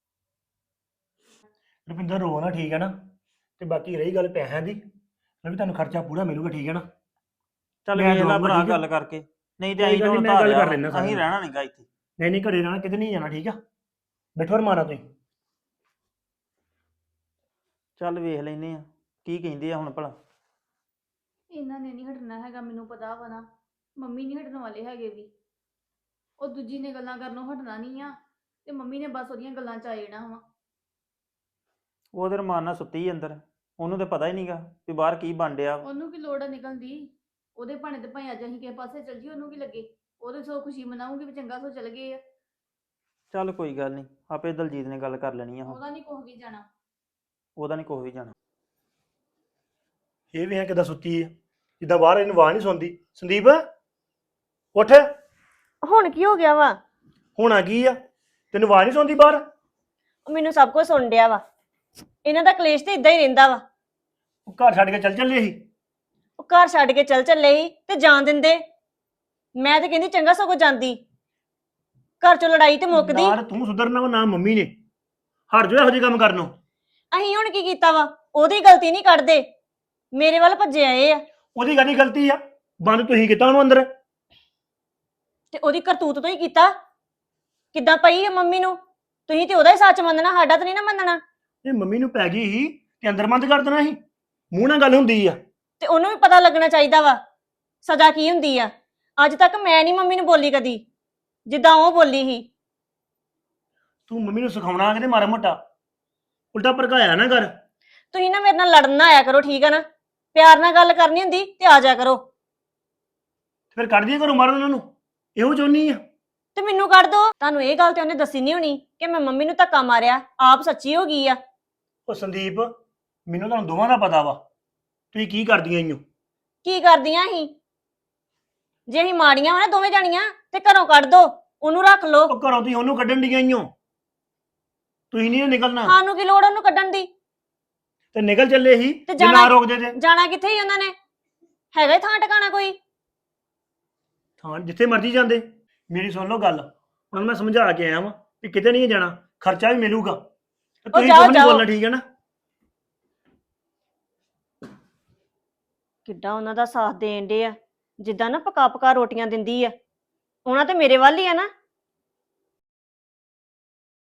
S5: ਰੁਪਿੰਦਰ ਰੋ ਨਾ, ਠੀਕ ਹੈ ਨਾ। ਤੇ ਬਾਕੀ ਰਹੀ ਗੱਲ ਪੈਸਿਆਂ ਦੀ, ਮੈਂ ਵੀ ਤੁਹਾਨੂੰ ਖਰਚਾ ਪੂਰਾ ਮਿਲੂਗਾ, ਠੀਕ ਹੈ ਨਾ।
S1: ਚੱਲ
S5: ਮੈਂ
S1: ਵੇਖ ਲੈ
S5: ਦਊਂਗਾ,
S1: ਭਰਾ
S5: ਠੀਕ ਆ?
S1: ਗੱਲ ਕਰਕੇ, ਨਹੀਂ ਤੇ
S5: ਕੋਈ
S1: ਅਸੀਂ
S5: ਗੱਲ
S1: ਤਾਂ
S5: ਨੀ,
S1: ਹੁਣ
S5: ਮੈਂ ਗੱਲ
S1: ਧਾਰਿਆ
S5: ਕਰ ਲੈਨਾ ਸਾਰਿਆਂ
S1: ਅਸੀਂ
S5: ਨਾਲ।
S1: ਰਹਿਣਾ ਨਹੀਂਗਾ ਇੱਥੇ।
S5: ਨਹੀਂ ਨਹੀਂ ਘਰੇ ਰਹਿਣਾ, ਕਿਤੇ ਨਹੀਂ ਜਾਣਾ, ਠੀਕ ਆ। ਬੈਠੋ ਮਾਰਾ ਤੁਸੀਂ।
S1: ਚੱਲ ਵੇਖ ਲੈਨੇ ਆ ਕੀ ਕਹਿੰਦੇ ਆ ਹੁਣ ਭਲਾ।
S2: ਇਹਨਾਂ ਨੇ ਨਹੀਂ ਹਟਣਾ ਹੈਗਾ, ਮੈਨੂੰ ਪਤਾ ਵਾ ਨਾ। ਮੰਮੀ ਨਹੀਂ ਹਟਣ ਵਾਲੇ ਹੈਗੇ ਵੀ। ਉਹ ਦੂਜੀ ਨੇ ਗੱਲਾਂ ਕਰਨੋਂ ਹਟਣਾ ਨਹੀਂ ਆ ਤੇ ਮੰਮੀ ਨੇ ਬਸ ਉਹਦੀਆਂ ਗੱਲਾਂ ਚ ਆ ਜਾਣਾ ਵਾ।
S1: ਉਹ ਤੇ ਰਮਾਨ ਨਾਲ ਸੁੱਤੀ ਅੰਦਰ, ਉਹਨੂੰ ਤੇ ਪਤਾ ਹੀ ਨਹੀਂਗਾ ਵੀ ਬਾਹਰ ਕੀ ਬਣ ਡਿਆ ਵਾ।
S2: ਉਹਨੂੰ ਕੀ ਲੋੜ ਆ ਨਿਕਲਣ ਦੀ? ਉਹਦੇ ਭਾਣੇ ਤੇ ਭਾਵੇਂ ਅੱਜ ਅਸੀਂ ਕਿਸੇ ਪਾਸੇ ਚੱਲ ਜੀ, ਉਹਨੂੰ ਕੀ ਲੱਗੇ? ਉਹਦੇ ਸੋ ਖੁਸ਼ੀ ਮਨਾਉਂਗੀ ਵੀ ਚੰਗਾ ਸੋ ਚੱਲ ਗਏ ਆ।
S1: ਚੱਲ ਕੋਈ ਗੱਲ ਨਹੀਂ, ਆਪੇ ਦਲਜੀਤ ਨੇ ਗੱਲ ਕਰ ਲੈਣੀ ਆ ਹੁਣ।
S2: ਉਹਦਾ ਨਹੀਂ ਕੁਛ ਵੀ ਜਾਣਾ।
S1: ਉਹਦਾ ਨਹੀਂ ਕੁਛ ਵੀ ਜਾਣਾ।
S5: ਇਹ ਵੀ ਹੈ ਕਿਦਾਂ ਸੁੱਤੀ ਹੈ, ਜਿੱਦਾਂ ਬਾਹਰ ਇਹਨੂੰ ਆਵਾਜ਼ ਨਹੀਂ ਸੁਣਦੀ। ਸੰਦੀਪ ਉੱਠ,
S6: ਹੁਣ ਕੀ ਹੋ ਗਿਆ ਵਾ?
S5: ਹੋਣਾ ਕੀ ਆ? ਤੈਨੂੰ ਆਵਾਜ਼ ਨਹੀਂ ਸੁਣਦੀ ਬਾਹਰ?
S6: ਉਹ ਮੈਨੂੰ ਸਭ ਕੁਝ ਸੁਣ ਡਿਆ ਵਾ। ਇਹਨਾਂ ਦਾ ਕਲੇਸ਼ ਤੇ ਇਦਾਂ ਹੀ ਰਹਿੰਦਾ ਵਾ।
S5: ਉਹ ਘਰ ਛੱਡ ਕੇ ਚੱਲ ਚੱਲੇ ਸੀ।
S6: ਉਹ ਘਰ ਛੱਡ ਕੇ ਚੱਲ ਚੱਲੇ ਸੀ ਤੇ ਜਾਣ ਦਿੰਦੇ। ਮੈਂ ਤੇ ਕਹਿੰਦੀ ਚੰਗਾ ਸਗੋਂ ਜਾਂਦੀ, ਘਰ ਚੋਂ ਲੜਾਈ ਤੇ ਮੁੱਕਦੀ।
S5: ਯਾਰ ਤੂੰ ਸੁਧਰਨਾ ਵਾ ਨਾ ਮੰਮੀ ਨੇ। ਹਟ ਜਾਓ ਇਹੋ ਜਿਹੇ ਕੰਮ ਕਰਨੋਂ।
S6: ਅਸੀਂ ਹੁਣ ਕੀ ਕੀਤਾ ਵਾ? ਉਹਦੀ ਗਲਤੀ ਨਹੀਂ ਕੱਢਦੇ, ਮੇਰੇ ਵੱਲ ਭੱਜੇ ਆਏ ਆ।
S5: ਉਹਦੀ ਕਾਹਦੀ ਗਲਤੀ ਆ? ਬੰਦ ਤੁਸੀਂ ਕੀਤਾ ਉਹਨੂੰ ਅੰਦਰ।
S6: ਤੇ ਉਹਦੀ ਕਰਤੂਤ ਤੋਂ ਹੀ ਕੀਤਾ। ਕਿੱਦਾਂ ਪਈ ਆ ਮੰਮੀ ਨੂੰ? ਤੁਸੀਂ ਤੇ ਉਹਦਾ ਹੀ ਸੱਚ ਮੰਨਣਾ, ਸਾਡਾ ਤਾਂ ਨਹੀਂ ਨਾ ਮੰਨਣਾ।
S5: ਇਹ ਮੰਮੀ ਨੂੰ ਪੈ ਗਈ ਸੀ ਤੇ ਅੰਦਰ ਬੰਦ ਕਰ ਦੇਣਾ ਸੀ। ਮੂੰਹ ਨਾਲ ਗੱਲ ਹੁੰਦੀ ਆ।
S6: ਤੇ ਉਹਨੂੰ ਵੀ ਪਤਾ ਲੱਗਣਾ ਚਾਹੀਦਾ ਵਾ ਸਜ਼ਾ ਕੀ ਹੁੰਦੀ ਆ। ਅੱਜ ਤੱਕ ਮੈਂ ਨਹੀਂ ਮੰਮੀ ਨੂੰ ਬੋਲੀ ਕਦੀ ਜਿੱਦਾਂ ਉਹ ਬੋਲੀ ਸੀ।
S5: ਤੂੰ ਮੰਮੀ ਨੂੰ ਸਿਖਾਉਣਾ ਕਿਤੇ ਮਾਰਾ ਮੋਟਾ, ਉਲਟਾ ਭੜਕਾਇਆ ਨਾ ਕਰ।
S6: ਤੁਸੀਂ ਨਾ ਮੇਰੇ ਨਾਲ ਲੜਨ ਨਾ ਆਇਆ ਕਰੋ, ਠੀਕ ਆ ਨਾ। ਪਿਆਰ ਨਾਲ ਗੱਲ ਕਰਨੀ ਹੁੰਦੀ ਤੇ ਆ ਜਾ ਕਰੋ।
S5: ਫਿਰ ਕੱਢ ਦਿਆ ਕਰੋ ਮਾਰਨ ਉਹਨਾਂ ਨੂੰ, ਇਹੋ ਚਾਹੁੰਦੀ ਆ।
S6: ਤੇ ਮੈਨੂੰ ਕੱਢ ਦੋ। ਤੁਹਾਨੂੰ ਇਹ ਗੱਲ ਤੇ ਉਹਨੇ ਦੱਸੀ ਨਹੀਂ ਹੋਣੀ ਕਿ ਮੈਂ ਮੰਮੀ ਨੂੰ ਧੱਕਾ ਮਾਰਿਆ, ਆਪ ਸੱਚੀ ਹੋ ਗਈ ਆ।
S5: ਉਹ ਸੰਦੀਪ, ਮੈਨੂੰ ਤੁਹਾਨੂੰ ਦੋਵਾਂ ਦਾ ਪਤਾ ਵਾ ਤੁਸੀਂ ਕੀ ਕਰਦੀਆਂ ਈਓ।
S6: ਕੀ ਕਰਦੀਆਂ ਸੀ? ਜੇ ਅਸੀਂ ਮਾੜੀਆਂ ਵਾ ਨਾ ਦੋਵੇਂ ਜਾਣੀਆਂ ਤੇ ਘਰੋਂ ਕੱਢ ਦੋ, ਉਹਨੂੰ ਰੱਖ ਲੋ।
S5: ਉਹ ਘਰੋਂ ਤੁਸੀਂ ਉਹਨੂੰ ਕੱਢਣ ਡੀਆਂ ਈਓ, ਤੁਸੀਂ ਨਹੀਂ ਨਿਕਲਣਾ।
S6: ਸਾਨੂੰ ਕੀ ਲੋੜ ਉਹਨੂੰ ਕੱਢਣ ਦੀ?
S5: ਤੇ ਨਿਕਲ ਚੱਲੇ ਸੀ
S6: ਤੇ
S5: ਜੇ ਨਾ
S6: ਜਾਣਾ-
S5: ਰੋਕਦੇ ਤੇ।
S6: ਜਾਣਾ ਕਿੱਥੇ ਸੀ ਉਹਨਾਂ ਨੇ? ਹੈਗਾ ਹੀ ਥਾਂ ਟਿਕਾਣਾ ਕੋਈ?
S5: ਹਾਂ ਜਿੱਥੇ ਮਰਜ਼ੀ ਜਾਂਦੇ। ਮੇਰੀ ਸੁਣ ਲਓ ਗੱਲ, ਹੁਣ ਮੈਂ ਸਮਝਾ ਕੇ ਆਇਆ ਵਾਂ ਵੀ ਕਿਤੇ ਨਹੀਂ ਜਾਣਾ, ਖਰਚਾ ਵੀ ਮਿਲੂਗਾ ਤੇ ਤੁਸੀਂ
S6: ਜਾਓ,
S5: ਕੁਝ ਨਹੀਂ
S6: ਜਾਓ।
S5: ਬੋਲਣਾ, ਠੀਕ ਹੈ ਨਾ।
S6: ਕਿੱਡਾ ਉਹਨਾਂ ਦਾ ਸਾਥ ਦੇਣ ਡੇ ਆ, ਜਿੱਦਾਂ ਨਾ ਪਕਾ ਪਕਾ ਰੋਟੀਆਂ ਦਿੰਦੀ ਆ। ਉਹਨਾਂ ਤੇ ਮੇਰੇ ਵੱਲ ਹੀ ਆ ਨਾ।